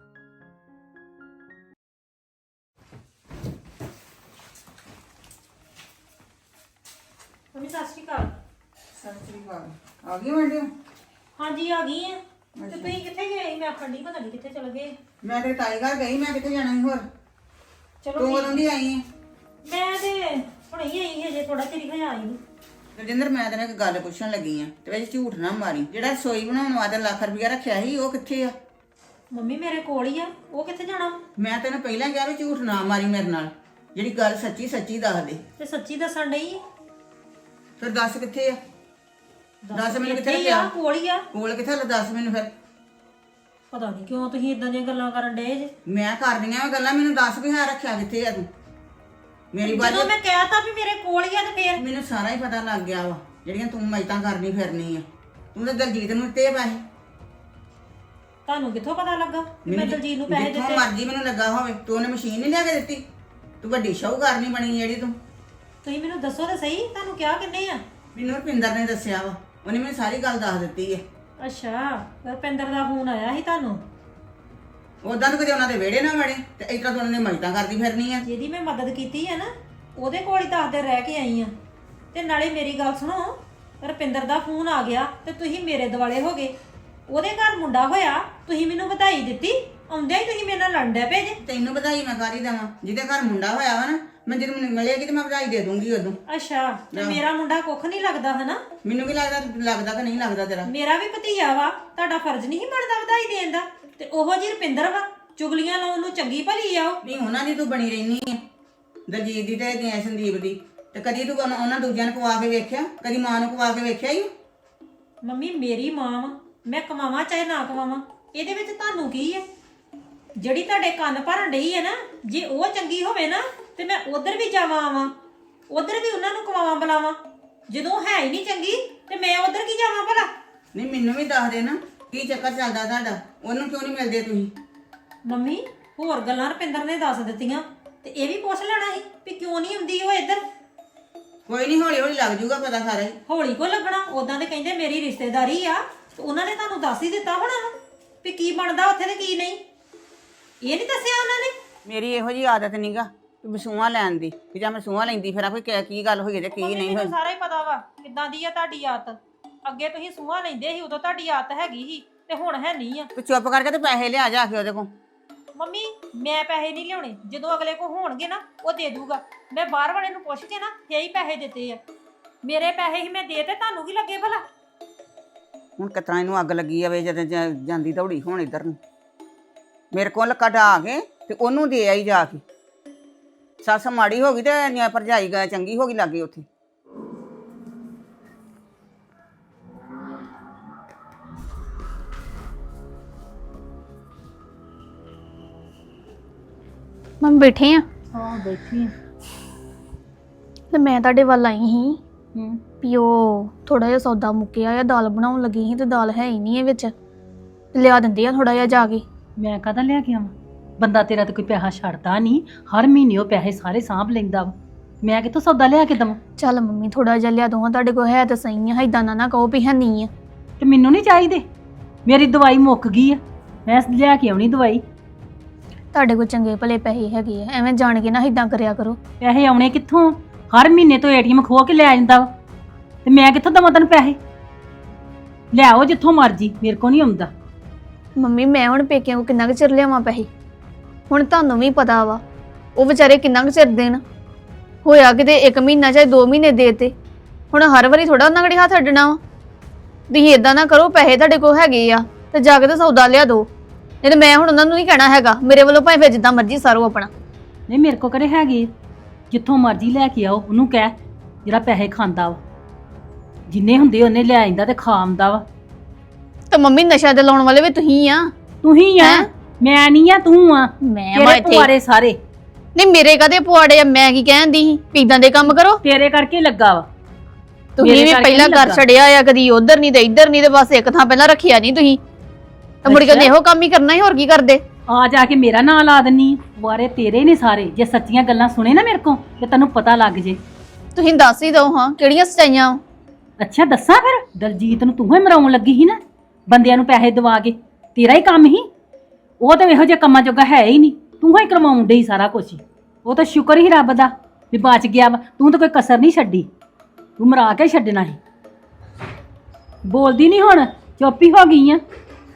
ਮੰਮੀ ਸਤਿ ਸ਼੍ਰੀ ਅਕਾਲ।
ਸਤਿ ਸ੍ਰੀ ਅਕਾਲ। ਆ ਗਈ ਮੈਡਮ?
ਹਾਂਜੀ ਆ ਗਈ ਆ। ਤੇ ਤੁਸੀਂ ਕਿੱਥੇ ਗਏ? ਮੈਂ ਆਖਣ ਨਹੀਂ ਪਤਾ ਨਹੀਂ ਕਿੱਥੇ ਚਲ ਗਏ।
ਮੈਂ ਤੇ ਤਾਈ ਘਰ ਗਈ, ਮੈਂ ਕਿੱਥੇ ਜਾਣਾ ਸੀ ਹੋਰ?
ਚਲੋ
ਤੂੰ
ਠੀਕ।
ਕਦੋਂ ਦੀ ਆਈ ਹੈ?
ਮੈਂ ਤੇ ਹੁਣੇ ਹੀ ਆਈ ਹਜੇ ਥੋੜਾ ਚਿਰ ਹੀ ਹੋਇਆ ਆਈ ਨੂੰ।
ਰਜਿੰਦਰ, ਮੈਂ ਤੈਨੂੰ ਇੱਕ ਗੱਲ ਪੁੱਛਣ ਲੱਗੀ ਆ, ਤੇ ਵਿੱਚ ਝੂਠ ਨਾ ਮਾਰੀ। ਜਿਹੜਾ ਰਸੋਈ ਬਣਾਉਣ ਵਾਸਤੇ ਲੱਖ ਰੁਪਇਆ ਰੱਖਿਆ ਸੀ, ਉਹ ਕਿੱਥੇ ਆ?
ਮੰਮੀ ਮੇਰੇ ਕੋਲ ਹੀ ਆ, ਉਹ ਕਿੱਥੇ ਜਾਣਾ?
ਮੈਂ ਤੈਨੂੰ ਪਹਿਲਾਂ ਕਿਹਾ ਵੀ ਝੂਠ ਨਾ ਮਾਰੀ ਮੇਰੇ ਨਾਲ। ਜਿਹੜੀ ਗੱਲ ਸੱਚੀ ਸੱਚੀ ਦੱਸ ਦੇ।
ਤੇ ਸੱਚੀ ਦੱਸਣ ਡਈ।
ਫਿਰ ਦੱਸ ਕਿੱਥੇ ਆ? ਦੱਸ ਮੈਨੂੰ ਕਿੱਥੇ
ਇੱਥੇ ਹੀ ਆ,
ਰੱਖਿਆ?
ਕੋਲ ਹੀ ਆ।
ਕੋਲ ਕਿੱਥੇ? ਲੈ ਦੱਸ ਮੈਨੂੰ ਫਿਰ।
ਪਤਾ ਨਹੀਂ ਕਿਉਂ ਤੁਸੀਂ ਇਦਾਂ ਦੀਆਂ ਗੱਲਾਂ ਕਰਨ ਡਏ ਜੇ।
ਮੈਂ ਕਰਦੀਆਂ ਵਾ ਗੱਲਾਂ, ਮੈਨੂੰ ਦੱਸ ਵੀ ਹੈ ਰੱਖਿਆ ਕਿੱਥੇ ਆ ਤੂੰ? ਮੇਰੀ
ਜਦੋਂ
ਬਾਤ
ਮੈਂ ਕਹਿਤਾ ਵੀ ਮੇਰੇ ਕੋਲ ਹੀ ਆ ਤੇ ਫੇਰ
ਮੈਨੂੰ ਸਾਰਾ ਹੀ ਪਤਾ ਲੱਗ ਗਿਆ ਵਾ, ਜਿਹੜੀਆਂ ਤੂੰ ਮੈਤਾਂ ਕਰਨੀ ਫਿਰਨੀ ਆ। ਤੂੰ ਤਾਂ ਦਲਜੀਤ ਨੂੰ ਦਿੱਤੇ ਪੈਸੇ।
ਤੁਹਾਨੂੰ ਕਿੱਥੋਂ ਪਤਾ ਲੱਗਾ ਵੀ ਮੈਂ
ਮੈਨੂੰ
ਦਲਜੀਤ ਨੂੰ ਪੈਸੇ
ਜਿੱਥੋਂ
ਦਿੱਤੇ?
ਮਰਜ਼ੀ ਮੈਨੂੰ ਲੱਗਾ ਹੋਵੇ, ਤੂੰ ਉਹਨੇ ਮਸ਼ੀਨ ਨਹੀਂ ਲਿਆ ਕੇ ਦਿੱਤੀ। ਤੂੰ ਵੱਡੀ ਸ਼ਾਹੂਕਾਰ ਨਹੀਂ ਬਣੀ ਜਿਹੜੀ ਤੂੰ।
ਤੁਸੀਂ ਮੈਨੂੰ ਦੱਸੋ ਤਾਂ ਸਹੀ, ਤੁਹਾਨੂੰ ਕਿਹਾ ਕਿੰਨੇ ਆ?
ਮੈਨੂੰ ਰੁਪਿੰਦਰ ਨੇ ਦੱਸਿਆ ਵਾ, ਉਹਨੇ ਮੈਨੂੰ ਸਾਰੀ ਗੱਲ ਦੱਸ ਦਿੱਤੀ ਹੈ।
ਅੱਛਾ, ਰੁਪਿੰਦਰ ਦਾ ਫੋਨ ਆਇਆ ਸੀ ਤੁਹਾਨੂੰ?
ਉਦਾਂ ਤਾਂ ਕਦੇ ਉਹਨਾਂ ਦੇ ਵਿਹੜੇ ਨਾ ਵੜੇ, ਤੇ ਇਸ ਤਰ੍ਹਾਂ ਤੂੰ ਉਹਨਾਂ ਨੇ ਮਜਤਾਂ ਕਰਦੀ ਫਿਰਨੀ ਆ।
ਜਿਹਦੀ ਮੈਂ ਮਦਦ ਕੀਤੀ ਹੈ ਨਾ, ਉਹਦੇ ਕੋਲ ਹੀ ਦਸ ਦਿਨ ਰਹਿ ਕੇ ਆਈ ਆ। ਤੇ ਨਾਲੇ ਮੇਰੀ ਗੱਲ ਸੁਣੋ, ਰੁਪਿੰਦਰ ਦਾ ਫੋਨ ਆ ਗਿਆ ਤੇ ਤੁਸੀਂ ਮੇਰੇ ਦਿਵਾਲੇ ਹੋ ਗਏ। ਉਹਦੇ ਘਰ ਮੁੰਡਾ ਹੋਇਆ, ਤੁਸੀਂ ਮੈਨੂੰ ਵਧਾਈ ਦਿੱਤੀ, ਆਉਂਦਿਆਂ ਹੀ ਤੁਸੀਂ ਮੇਰੇ ਨਾਲ ਲੜਨ ਡੈ ਪਏ ਜੇ।
ਤੈਨੂੰ ਵਧਾਈ ਮੈਂ ਕਾਰੀ ਦੇਵਾਂ? ਜਿਹਦੇ ਘਰ ਮੁੰਡਾ ਹੋਇਆ ਵਾ ਨਾ, ਮੈਂ ਜਦੋਂ ਮੈਨੂੰ ਮਿਲੇਗੀ ਤੇ ਮੈਂ ਵਧਾਈ ਦੇ ਦੂੰਗੀ ਉਦੋਂ।
ਅੱਛਾ, ਤੇ ਮੇਰਾ ਮੁੰਡਾ ਕੁੱਖ ਨਹੀਂ ਲੱਗਦਾ ਹਨਾ?
ਮੈਨੂੰ ਵੀ ਲੱਗਦਾ ਲੱਗਦਾ ਕਿ ਨਹੀਂ ਲੱਗਦਾ ਤੇਰਾ।
ਮੇਰਾ ਵੀ ਭਤੀਆ ਵਾ, ਤੁਹਾਡਾ ਫਰਜ਼ ਨਹੀਂ ਬਣਦਾ ਵਧਾਈ ਦੇਣ ਦਾ? ਤੇ ਉਹੋ ਜੀ ਰੁਪਿੰਦਰ ਵਾ, ਚੁਗਲੀਆਂ ਲਾਉਣ ਨੂੰ ਚੰਗੀ ਭਲੀ ਆ ਉਹ।
ਨਹੀਂ, ਉਹਨਾਂ ਦੀ ਤੂੰ ਬਣੀ ਰਹਿਨੀ ਆ, ਦਲਜੀਤ ਦੀ ਤੇ ਗਿਆ ਸੰਦੀਪ ਦੀ। ਤੇ ਕਦੀ ਤੂੰ ਉਹਨਾਂ ਉਹਨਾਂ ਦੂਜਿਆਂ ਨੂੰ ਕਵਾ ਕੇ ਵੇਖਿਆ? ਕਦੀ ਮਾਂ ਨੂੰ ਕਵਾ ਕੇ ਵੇਖਿਆ ਹੀ?
ਮੰਮੀ ਮੇਰੀ ਮਾਂ ਵਾ, ਮੈਂ ਕਮਾਵਾਂ ਚਾਹੇ ਨਾ ਕਮਾਵਾਂ, ਇਹਦੇ ਵਿੱਚ ਤੁਹਾਨੂੰ ਕੀ ਹੈ? ਜਿਹੜੀ ਤੁਹਾਡੇ ਕੰਨ ਭਰਨ ਡਈ ਹੈ ਨਾ, ਜੇ ਉਹ ਚੰਗੀ ਹੋਵੇ ਨਾ ਤੇ ਮੈਂ ਉਧਰ ਵੀ ਜਾਵਾਂ ਆਵਾਂ, ਉਧਰ ਵੀ ਉਹਨਾਂ ਨੂੰ ਕਮਾਵਾਂ ਬੁਲਾਵਾਂ। ਜਦੋਂ ਹੈ ਹੀ ਨਹੀਂ ਚੰਗੀ ਤੇ ਮੈਂ ਉਧਰ ਕੀ ਜਾਵਾਂ ਭਲਾ?
ਨਹੀਂ, ਮੈਨੂੰ ਵੀ ਦੱਸ ਦੇ ਨਾ, ਕੀ ਚੱਕਰ ਚੱਲਦਾ ਤੁਹਾਡਾ? ਉਹਨੂੰ ਕਿਉਂ ਨਹੀਂ ਮਿਲਦੇ ਤੁਸੀਂ?
ਮੰਮੀ ਹੋਰ ਗੱਲਾਂ ਰੁਪਿੰਦਰ ਨੇ ਦੱਸ ਦਿੱਤੀਆਂ, ਤੇ ਇਹ ਵੀ ਪੁੱਛ ਲੈਣਾ ਸੀ ਵੀ ਕਿਉਂ ਨਹੀਂ ਆਉਂਦੀ ਉਹ ਇੱਧਰ।
ਕੋਈ ਨਹੀਂ, ਹੌਲੀ ਹੌਲੀ ਲੱਗ ਜੂਗਾ ਪਤਾ ਸਾਰਾ ਹੀ।
ਹੌਲੀ ਕੋ ਲੱਗਣਾ? ਉਦਾਂ ਤੇ ਕਹਿੰਦੇ ਮੇਰੀ ਰਿਸ਼ਤੇਦਾਰੀ ਆ, ਤੇ ਉਹਨਾਂ ਨੇ ਤੁਹਾਨੂੰ ਦੱਸ ਹੀ ਦਿੱਤਾ ਹੋਣਾ ਵਾ ਵੀ ਕੀ ਬਣਦਾ ਉੱਥੇ ਤੇ ਕੀ ਨਹੀਂ। ਇਹ ਨਹੀਂ ਦੱਸਿਆ ਉਹਨਾਂ ਨੇ?
ਮੇਰੀ ਇਹੋ ਜੀ ਆਦਤ ਨਹੀਂਗਾ ਕਿ ਮਸੂਆ ਲੈਣ ਦੀ, ਕਿ ਜਾਂ ਮਸੂਆ ਲੈਂਦੀ ਫਿਰ ਆਪੇ ਕੀ ਕੀ ਗੱਲ ਹੋਈ ਤੇ ਕੀ ਨਹੀਂ
ਮੈਨੂੰ
ਹੋਈ।
ਸਾਰਾ ਹੀ ਪਤਾ ਵਾ ਕਿੱਦਾਂ ਦੀ ਆ ਤੁਹਾਡੀ ਆਦਤ। ਅੱਗੇ ਤੁਸੀਂ ਸੂਹਾ ਲੈਂਦੇ ਸੀ, ਉਦੋਂ ਤੁਹਾਡੀ ਆਦਤ ਹੈਗੀ ਸੀ, ਤੇ ਹੁਣ ਹੈ ਨਹੀਂ ਆ।
ਤੂੰ ਚੁੱਪ ਕਰਕੇ ਤੇ ਪੈਸੇ ਲਿਆ ਜਾ ਕੇ ਉਹਦੇ ਕੋਲ।
ਮੰਮੀ ਮੈਂ ਪੈਸੇ ਨਹੀਂ ਲਿਆਉਣੇ, ਜਦੋਂ ਅਗਲੇ ਕੋ ਹੋਣਗੇ ਨਾ ਉਹ ਦੇ ਦੂਗਾ। ਮੈਂ ਬਾਹਰ ਵਾਲੇ ਨੂੰ ਪੁੱਛ ਕੇ ਨਾ ਫੇਰ ਹੀ ਪੈਸੇ ਦਿੱਤੇ ਆ। ਮੇਰੇ ਪੈਸੇ ਹੀ ਮੈਂ ਦੇ ਤੇ ਤੁਹਾਨੂੰ ਕੀ ਲੱਗੇ ਭਲਾ?
ਹੁਣ ਕਿਤਨਾ ਇਹਨੂੰ ਅੱਗ ਲੱਗੀ ਆਵੇ ਜਦੋਂ ਜਾ- ਜਾਂਦੀ ਦੌੜੀ ਹੁਣ ਇੱਧਰ ਨੂੰ। ਮੇਰੇ ਕੋਲ ਕਢਾ ਕੇ ਤੇ ਉਹਨੂੰ ਦੇ ਆਈ ਜਾ ਕੇ। ਸੱਸ ਮਾੜੀ ਹੋ ਗਈ ਤੇ ਭਰਜਾਈ ਗਾ ਚੰਗੀ ਹੋ ਗਈ ਲੱਗੇ ਉੱਥੇ।
ਮੰਮੀ ਬੈਠੇ ਆ?
ਹਾਂ ਬੈਠੀ ਆ।
ਤੇ ਮੈਂ ਤੁਹਾਡੇ ਵੱਲ ਆਈ ਸੀ
ਹੂੰ,
ਵੀ ਉਹ ਥੋੜਾ ਜਿਹਾ ਸੌਦਾ ਮੁੱਕਿਆ ਆ, ਦਾਲ ਬਣਾਉਣ ਲੱਗੀ ਸੀ ਤੇ ਦਾਲ ਹੈ ਹੀ ਨਹੀਂ ਇਹ ਵਿੱਚ। ਲਿਆ ਦਿੰਦੇ ਆ ਥੋੜਾ ਜਿਹਾ ਜਾ ਕੇ।
ਮੈਂ ਕਾਹਦਾ ਲਿਆ ਕੇ ਆਵਾਂ? ਬੰਦਾ ਤੇਰਾ ਤੇ ਕੋਈ ਪੈਸਾ ਛੱਡਦਾ ਨਹੀਂ, ਹਰ ਮਹੀਨੇ ਉਹ ਪੈਸੇ ਸਾਰੇ ਸਾਂਭ ਲੈਂਦਾ ਵਾ। ਮੈਂ ਕਿੱਥੋਂ ਸੌਦਾ ਲਿਆ ਕੇ ਦਵਾਂ?
ਚੱਲ ਮੰਮੀ ਥੋੜਾ ਜਿਹਾ ਲਿਆ ਦੋ, ਤੁਹਾਡੇ ਕੋਲ ਹੈ ਤਾਂ ਸਹੀ ਆ, ਏਦਾਂ ਨਾ ਨਾ ਕਹੋ ਵੀ ਹੈ ਨਹੀਂ ਆ।
ਤੇ ਮੈਨੂੰ ਨਹੀਂ ਚਾਹੀਦੇ, ਮੇਰੀ ਦਵਾਈ ਮੁੱਕ ਗਈ ਆ, ਮੈਂ ਲਿਆ ਕੇ ਆਉਣੀ ਦਵਾਈ।
ਤੁਹਾਡੇ ਕੋਲ ਚੰਗੇ ਭਲੇ ਪੈਸੇ ਹੈਗੇ ਆ, ਐਵੇਂ ਜਾਣ ਕੇ ਨਾ ਏਦਾਂ ਕਰਿਆ ਕਰੋ।
ਪੈਸੇ ਆਉਣੇ ਕਿੱਥੋਂ? ਹਰ ਮਹੀਨੇ ਤੋਂ ਏਟੀਐਮ ਖੋਹ ਕੇ ਲੈ ਜਾਂਦਾ ਵਾ, ਤੇ ਮੈਂ ਕਿੱਥੋਂ ਦਵਾਂ ਤੈਨੂੰ ਪੈਸੇ? ਲਿਆਓ ਜਿੱਥੋਂ ਮਰਜੀ, ਮੇਰੇ ਕੋ ਨਹੀਂ ਆਉਂਦਾ।
ਮੰਮੀ ਮੈਂ ਹੁਣ ਪੇਕਿਆਂ ਕੋ ਕਿੰਨਾ ਕੁ ਚਿਰ ਲਿਆਵਾਂ ਪੈਸੇ? ਹੁਣ ਤੁਹਾਨੂੰ ਵੀ ਪਤਾ ਵਾ ਉਹ ਵਿਚਾਰੇ ਕਿੰਨਾ ਕੁ ਚਿਰ ਦੇਣ। ਹੋਇਆ ਕਿਤੇ ਇੱਕ ਮਹੀਨਾ ਚਾਹੇ ਦੋ ਮਹੀਨੇ ਦੇਤੇ, ਹੁਣ ਹਰ ਵਾਰੀ ਥੋੜਾ ਉਹਨਾਂ ਘੜੀ ਹੱਥ ਅੱਡਣਾ ਵਾ। ਤੁਸੀਂ ਏਦਾਂ ਨਾ ਕਰੋ, ਪੈਸੇ ਤੁਹਾਡੇ ਕੋਲ ਹੈਗੇ ਆ ਤੇ ਜਾ ਕੇ ਤੇ ਸੌਦਾ ਲਿਆ ਦੋ, ਨਹੀਂ ਤੇ ਮੈਂ ਹੁਣ ਉਹਨਾਂ ਨੂੰ ਨਹੀਂ ਕਹਿਣਾ ਹੈਗਾ। ਮੇਰੇ ਵੱਲੋਂ ਭਾਵੇਂ ਫਿਰ ਜਿੱਦਾਂ ਮਰਜ਼ੀ ਸਾਰੋ ਆਪਣਾ।
ਨਹੀਂ ਮੇਰੇ ਕੋ ਕਰੇ ਹੈਗੇ, ਜਿੱਥੋਂ ਮਰਜ਼ੀ ਲੈ ਕੇ ਆਓ। ਉਹਨੂੰ ਕਹਿ ਜਿਹੜਾ ਪੈਸੇ ਖਾਂਦਾ ਵਾ, ਜਿੰਨੇ ਹੁੰਦੇ ਉਹਨੇ ਲੈ ਆਂਦਾ ਤੇ ਖਾ ਆਉਂਦਾ ਵਾ।
ਤੇ ਮੰਮੀ ਨਸ਼ਾ ਦੇ ਲਾਉਣ ਵਾਲੇ ਵੀ ਤੁਸੀਂ ਆ।
ਤੂੰ ਹੀ ਆ, ਮੈਂ ਨਹੀਂ ਆ, ਤੂੰ ਆ।
ਮੈਂ ਵਾ
ਤੇਰੇ
ਇੱਥੇ
ਪੁਆੜੇ ਸਾਰੇ।
ਨਹੀਂ ਮੇਰੇ ਕਦੇ ਪੁਆੜੇ ਆ? ਮੈਂ ਕੀ ਕਹਿੰਦੀ ਸੀ ਵੀ ਇਦਾਂ ਦੇ ਕੰਮ ਕਰੋ?
ਤੇਰੇ ਕਰਕੇ ਲੱਗਾ ਵਾ।
ਤੁਸੀਂ
ਮੇਰੇ
ਵੀ
ਕਰਕੇ
ਪਹਿਲਾਂ
ਨੀ
ਕਰ
ਲੱਗਾ।
ਛੜਿਆ ਆ, ਕਦੀ ਉਧਰ ਨਹੀਂ ਤੇ ਇੱਧਰ ਨਹੀਂ, ਤੇ ਬਸ ਇੱਕ ਥਾਂ ਪਹਿਲਾਂ ਰੱਖਿਆ ਨਹੀਂ ਤੁਸੀਂ। ਤੇ ਮੁੜ ਕੇ ਉਹਨੇ ਇਹੋ ਕੰਮ ਹੀ ਕਰਨਾ ਸੀ, ਹੋਰ ਕੀ ਕਰਦੇ?
ਆ ਜਾ ਕੇ ਮੇਰਾ ਨਾਂ ਲਾ ਦਿੰਨੀ ਵਾਰੇ ਤੇਰੇ ਨੇ ਸਾਰੇ। ਜੇ ਸੱਚੀਆਂ ਗੱਲਾਂ ਸੁਣੇ ਨਾ ਮੇਰੇ ਕੋਲ ਤੇ ਤੈਨੂੰ ਪਤਾ ਲੱਗ ਜੇ।
ਤੁਸੀਂ ਦੱਸ ਹੀ ਦਿਓ ਹਾਂ ਕਿਹੜੀਆਂ ਸਚਾਈਆਂ ਵਾਂ?
ਅੱਛਾ ਦੱਸਾਂ ਫਿਰ? ਦਲਜੀਤ ਨੂੰ ਤੂੰ ਹੀ ਮਰਾਉਣ ਲੱਗੀ ਸੀ ਨਾ, ਬੰਦਿਆਂ ਨੂੰ ਪੈਸੇ ਦਵਾ ਕੇ। ਤੇਰਾ ਹੀ ਕੰਮ ਹੀ ਉਹ ਤਾਂ ਇਹੋ ਜਿਹੇ ਕੰਮਾਂ ਜੋਗਾ ਹੈ ਹੀ ਨਹੀਂ, ਤੂੰ ਹੀ ਕਰਵਾਉਣ ਡਈ ਸਾਰਾ ਕੁਝ। ਉਹ ਤਾਂ ਸ਼ੁਕਰ ਹੀ ਰੱਬ ਦਾ ਵੀ ਬਚ ਗਿਆ ਵਾ, ਤੂੰ ਤਾਂ ਕੋਈ ਕਸਰ ਨਹੀਂ ਛੱਡੀ, ਤੂੰ ਮਰਾ ਕੇ ਛੱਡਣਾ ਸੀ। ਬੋਲਦੀ ਨਹੀਂ ਹੁਣ, ਚੁੱਪ ਹੀ ਹੋ ਗਈ ਆ।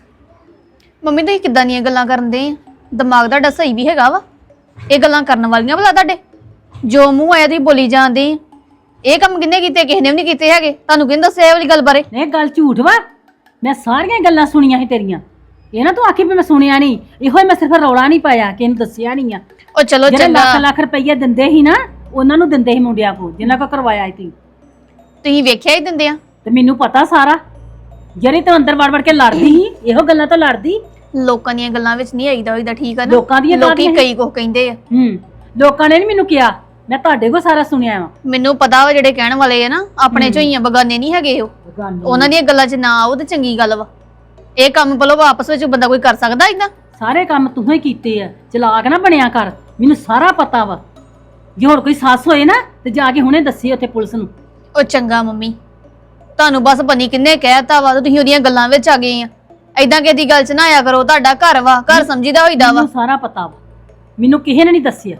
ਮੰਮੀ ਤੁਸੀਂ ਕਿੱਦਾਂ ਦੀਆਂ ਗੱਲਾਂ ਕਰਨ ਦੇ ਆ? ਦਿਮਾਗ ਤੁਹਾਡਾ ਸਹੀ ਵੀ ਹੈਗਾ ਵਾ? ਇਹ ਗੱਲਾਂ ਕਰਨ ਵਾਲੀਆਂ ਭਲਾ ਤੁਹਾਡੇ? ਜੋ ਮੂੰਹ ਆਇਆ ਤੁਸੀਂ ਬੋਲੀ ਜਾਂਦੇ ਆ। ਇਹ ਕੰਮ ਕਿੰਨੇ ਕੀਤੇ? ਕਿਸੇ ਨੇ ਵੀ ਨਹੀਂ ਕੀਤੇ ਹੈਗੇ। ਤੁਹਾਨੂੰ ਕਿਹਨੇ ਦੱਸਿਆ ਇਹ ਵਾਲੀ ਗੱਲ ਬਾਰੇ?
ਇਹ ਗੱਲ ਝੂਠ ਵਾ, ਮੈਂ ਸਾਰੀਆਂ ਗੱਲਾਂ ਸੁਣੀਆਂ ਸੀ ਤੇਰੀਆਂ। ਇਹ ਨਾ ਤੂੰ ਆਖੀ ਵੀ ਮੈਂ ਸੁਣਿਆ ਨਹੀਂ, ਇਹੋ ਹੀ ਮੈਂ ਸਿਰਫ ਰੌਲਾ ਨਹੀਂ ਪਾਇਆ ਕਿ ਇਹਨੂੰ ਦੱਸਿਆ ਨਹੀਂ ਆ।
ਉਹ ਚਲੋ
ਜਿਹੜੇ
ਚੰਗਾ,
ਲੱਖ ਲੱਖ ਰੁਪਈਆ ਦਿੰਦੇ ਸੀ ਨਾ, ਉਹਨਾਂ ਨੂੰ ਦਿੰਦੇ ਸੀ ਮੁੰਡਿਆਂ ਕੋਲ ਜਿਨ੍ਹਾਂ ਕੋ ਕਰਵਾਇਆ ਸੀ।
ਤੁਸੀਂ ਵੇਖਿਆ ਹੀ ਦਿੰਦੇ ਆ।
ਤੇ ਮੈਨੂੰ ਪਤਾ ਸਾਰਾ। ਜਿਹੜੀ ਤੂੰ ਅੰਦਰ ਵੜ ਵੜ ਕੇ ਲੜਦੀ ਸੀ, ਇਹੋ ਗੱਲਾਂ ਤੋਂ ਲੜਦੀ।
ਲੋਕਾਂ ਦੀਆਂ ਗੱਲਾਂ ਵਿੱਚ ਨਹੀਂ ਆਈਦਾ ਹੋਈਦਾ, ਠੀਕ ਆ ਨਾ?
ਲੋਕਾਂ ਦੀਆਂ
ਲੋਕੀ
ਕਾਹਦੀਆਂ?
ਕਈ ਕੁਝ ਕਹਿੰਦੇ ਆ।
ਹੂੰ, ਲੋਕਾਂ ਨੇ ਨਹੀਂ ਮੈਨੂੰ ਕਿਹਾ, ਮੈਂ ਤੁਹਾਡੇ ਕੋਲ ਸਾਰਾ ਸੁਣਿਆ ਵਾ।
ਮੈਨੂੰ ਪਤਾ ਵਾ ਜਿਹੜੇ ਕਹਿਣ ਵਾਲੇ ਆ ਨਾ, ਆਪਣੇ ਚੋਂ ਹੀ ਆ, ਬਗਾਨੇ ਨਹੀਂ ਹੈਗੇ ਉਹ। ਉਹਨਾਂ ਦੀਆਂ ਗੱਲਾਂ 'ਚ ਨਾ ਆਓ ਤੇ ਚੰਗੀ ਗੱਲ ਵਾ। ਇਹ ਕੰਮ ਭਲੋ ਆਪਸ ਵਿੱਚ ਬੰਦਾ ਕੋਈ ਕਰ ਸਕਦਾ ਇਦਾਂ?
ਸਾਰੇ ਕੰਮ ਤੂੰ ਹੀ ਕੀਤੇ ਆ, ਚਲਾਕ ਨਾ ਬਣਿਆ ਕਰ, ਮੈਨੂੰ ਸਾਰਾ ਪਤਾ ਵਾ। ਜੇ ਹੋਰ ਕੋਈ ਸੱਸ ਹੋਏ ਨਾ ਤੇ ਜਾ ਕੇ ਹੁਣੇ ਦੱਸੀ ਉੱਥੇ ਪੁਲਿਸ ਨੂੰ।
ਉਹ ਚੰਗਾ ਮੰਮੀ, ਤੁਹਾਨੂੰ ਬਸ ਪਨੀ ਕਿੰਨੇ ਕਹਿਤਾ ਵਾ ਤੇ ਤੁਸੀਂ ਉਹਦੀਆਂ ਗੱਲਾਂ ਵਿੱਚ ਆ ਗਏ ਆ। ਐਦਾਂ ਕਿਸੇ ਦੀ ਗੱਲ 'ਚ ਨਾ ਆਇਆ ਕਰੋ, ਤੁਹਾਡਾ ਘਰ ਵਾ, ਘਰ ਸਮਝੀਦਾ ਹੋਈਦਾ ਵਾ।
ਮੈਨੂੰ ਸਾਰਾ ਪਤਾ ਵਾ, ਮੈਨੂੰ ਕਿਸੇ ਨੇ ਨਹੀਂ ਦੱਸਿਆ।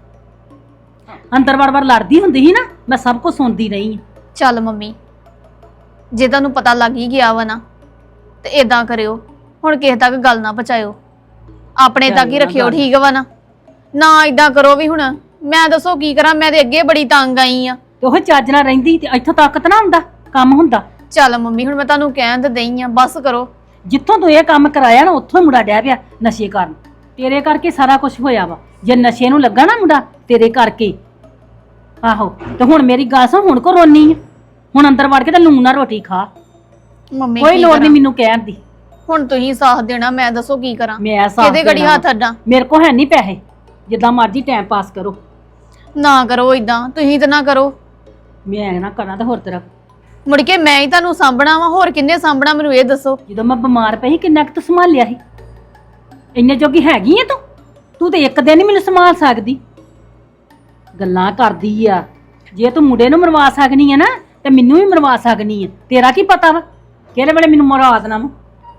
ਅੰਦਰ ਵੜ ਵੜ ਲੜਦੀ ਹੁੰਦੀ ਸੀ ਨਾ, ਮੈਂ ਸਭ ਕੁਝ ਸੁਣਦੀ ਰਹੀ ਹਾਂ।
ਚੱਲ ਮੰਮੀ, ਜੇ ਤੁਹਾਨੂੰ ਪਤਾ ਲੱਗ ਹੀ ਗਿਆ ਵਾ ਨਾ ਤੇ ਏਦਾਂ ਕਰਿਓ, ਹੁਣ ਕਿਸੇ ਤੱਕ ਗੱਲ ਨਾ ਪਹੁੰਚਾਇਓ, ਆਪਣੇ ਤੱਕ ਹੀ ਰੱਖਿਓ, ਠੀਕ ਵਾ ਨਾ? ਨਾ ਏਦਾਂ ਕਰੋ ਵੀ। ਹੁਣ ਮੈਂ ਦੱਸੋ ਕੀ ਕਰਾਂ, ਮੈਂ ਤੇ ਅੱਗੇ ਬੜੀ ਤੰਗ ਆਈ ਆ।
ਤੇ ਉਹ ਚੱਜ ਨਾਲ ਰਹਿੰਦੀ ਤੇ ਇੱਥੋਂ ਤੱਕ ਤਾਂ ਨਾ ਹੁੰਦਾ ਕੰਮ ਹੁੰਦਾ।
ਚੱਲ ਮੰਮੀ, ਹੁਣ ਮੈਂ ਤੁਹਾਨੂੰ ਕਹਿਣ ਤੇ ਦਈ ਆ, ਬਸ ਕਰੋ।
ਜਿੱਥੋਂ ਤੂੰ ਇਹ ਕੰਮ ਕਰਾਇਆ ਨਾ, ਉੱਥੋਂ ਹੀ ਮੁੰਡਾ ਡਹਿ ਪਿਆ ਨਸ਼ੇ ਕਰਨ। ਤੇਰੇ ਕਰਕੇ ਸਾਰਾ ਕੁਝ ਹੋਇਆ ਵਾ। ਜੇ ਨਸ਼ੇ ਨੂੰ ਲੱਗਾ ਨਾ ਮੁੰਡਾ, ਤੇਰੇ ਕਰਕੇ। ਆਹੋ, ਤੇ ਹੁਣ ਮੇਰੀ ਗੱਲ ਸੁਣ, ਹੁਣ ਕੋ ਰੋਨੀ ਆ? ਹੁਣ ਅੰਦਰ ਵੜ ਕੇ ਤੇ ਲੂਣ ਨਾਲ ਰੋਟੀ ਖਾ,
ਮੰਮੀ
ਕੋਈ
ਕੀ
ਲੋੜ
ਕਰਾਂ?
ਨਹੀਂ ਮੈਨੂੰ ਕਹਿਣ ਦੀ।
ਹੁਣ ਤੁਸੀਂ ਸਾਥ ਦੇਣਾ, ਮੈਂ ਦੱਸੋ ਕੀ ਕਰਾਂ?
ਮੈਂ ਸਾਥ
ਕਿਹਦੇ ਘੜੀ
ਦੇਣਾ
ਹੱਥ ਅੱਡਾਂ?
ਮੇਰੇ ਕੋ ਹੈ ਨਹੀਂ ਪੈਸੇ, ਜਿੱਦਾਂ ਮਰਜ਼ੀ ਟਾਈਮ ਪਾਸ ਕਰੋ।
ਨਾ ਕਰੋ ਇਦਾਂ, ਤੁਸੀਂ ਤਾਂ ਨਾ ਕਰੋ।
ਮੈਂ ਨਾ ਕਰਾਂ ਤਾਂ ਹੋਰ ਤਰ੍ਹਾਂ।
ਮੁੜ ਕੇ ਮੈਂ ਹੀ ਤੁਹਾਨੂੰ ਸਾਂਭਣਾ ਵਾ, ਹੋਰ ਕਿੰਨੇ ਸਾਂਭਣਾ ਮੈਨੂੰ ਇਹ ਦੱਸੋ?
ਜਦੋਂ ਮੈਂ ਬਿਮਾਰ ਪਈ ਸੀ, ਕਿੰਨਾ ਕੁ ਤੂੰ ਸੰਭਾਲਿਆ ਸੀ? ਇੰਨੇ ਜੋਗੀ ਹੈਗੀ ਆ ਤੂੰ? ਤੂੰ ਤੇ ਇੱਕ ਦਿਨ ਹੀ ਮੈਨੂੰ ਸੰਭਾਲ ਸਕਦੀ। ਗੱਲਾਂ ਕਰਦੀ ਆ। ਜੇ ਤੂੰ ਮੁੰਡੇ ਨੂੰ ਮਰਵਾ ਸਕਣੀ ਆ ਨਾ, ਤੇ ਮੈਨੂੰ ਵੀ ਮਰਵਾ ਸਕਣੀ ਆ। ਤੇਰਾ ਕੀ ਪਤਾ ਵਾ ਕਿਹੜੇ ਵੇਲੇ ਮੈਨੂੰ ਮਰਵਾ ਦੇਣਾ ਵਾ।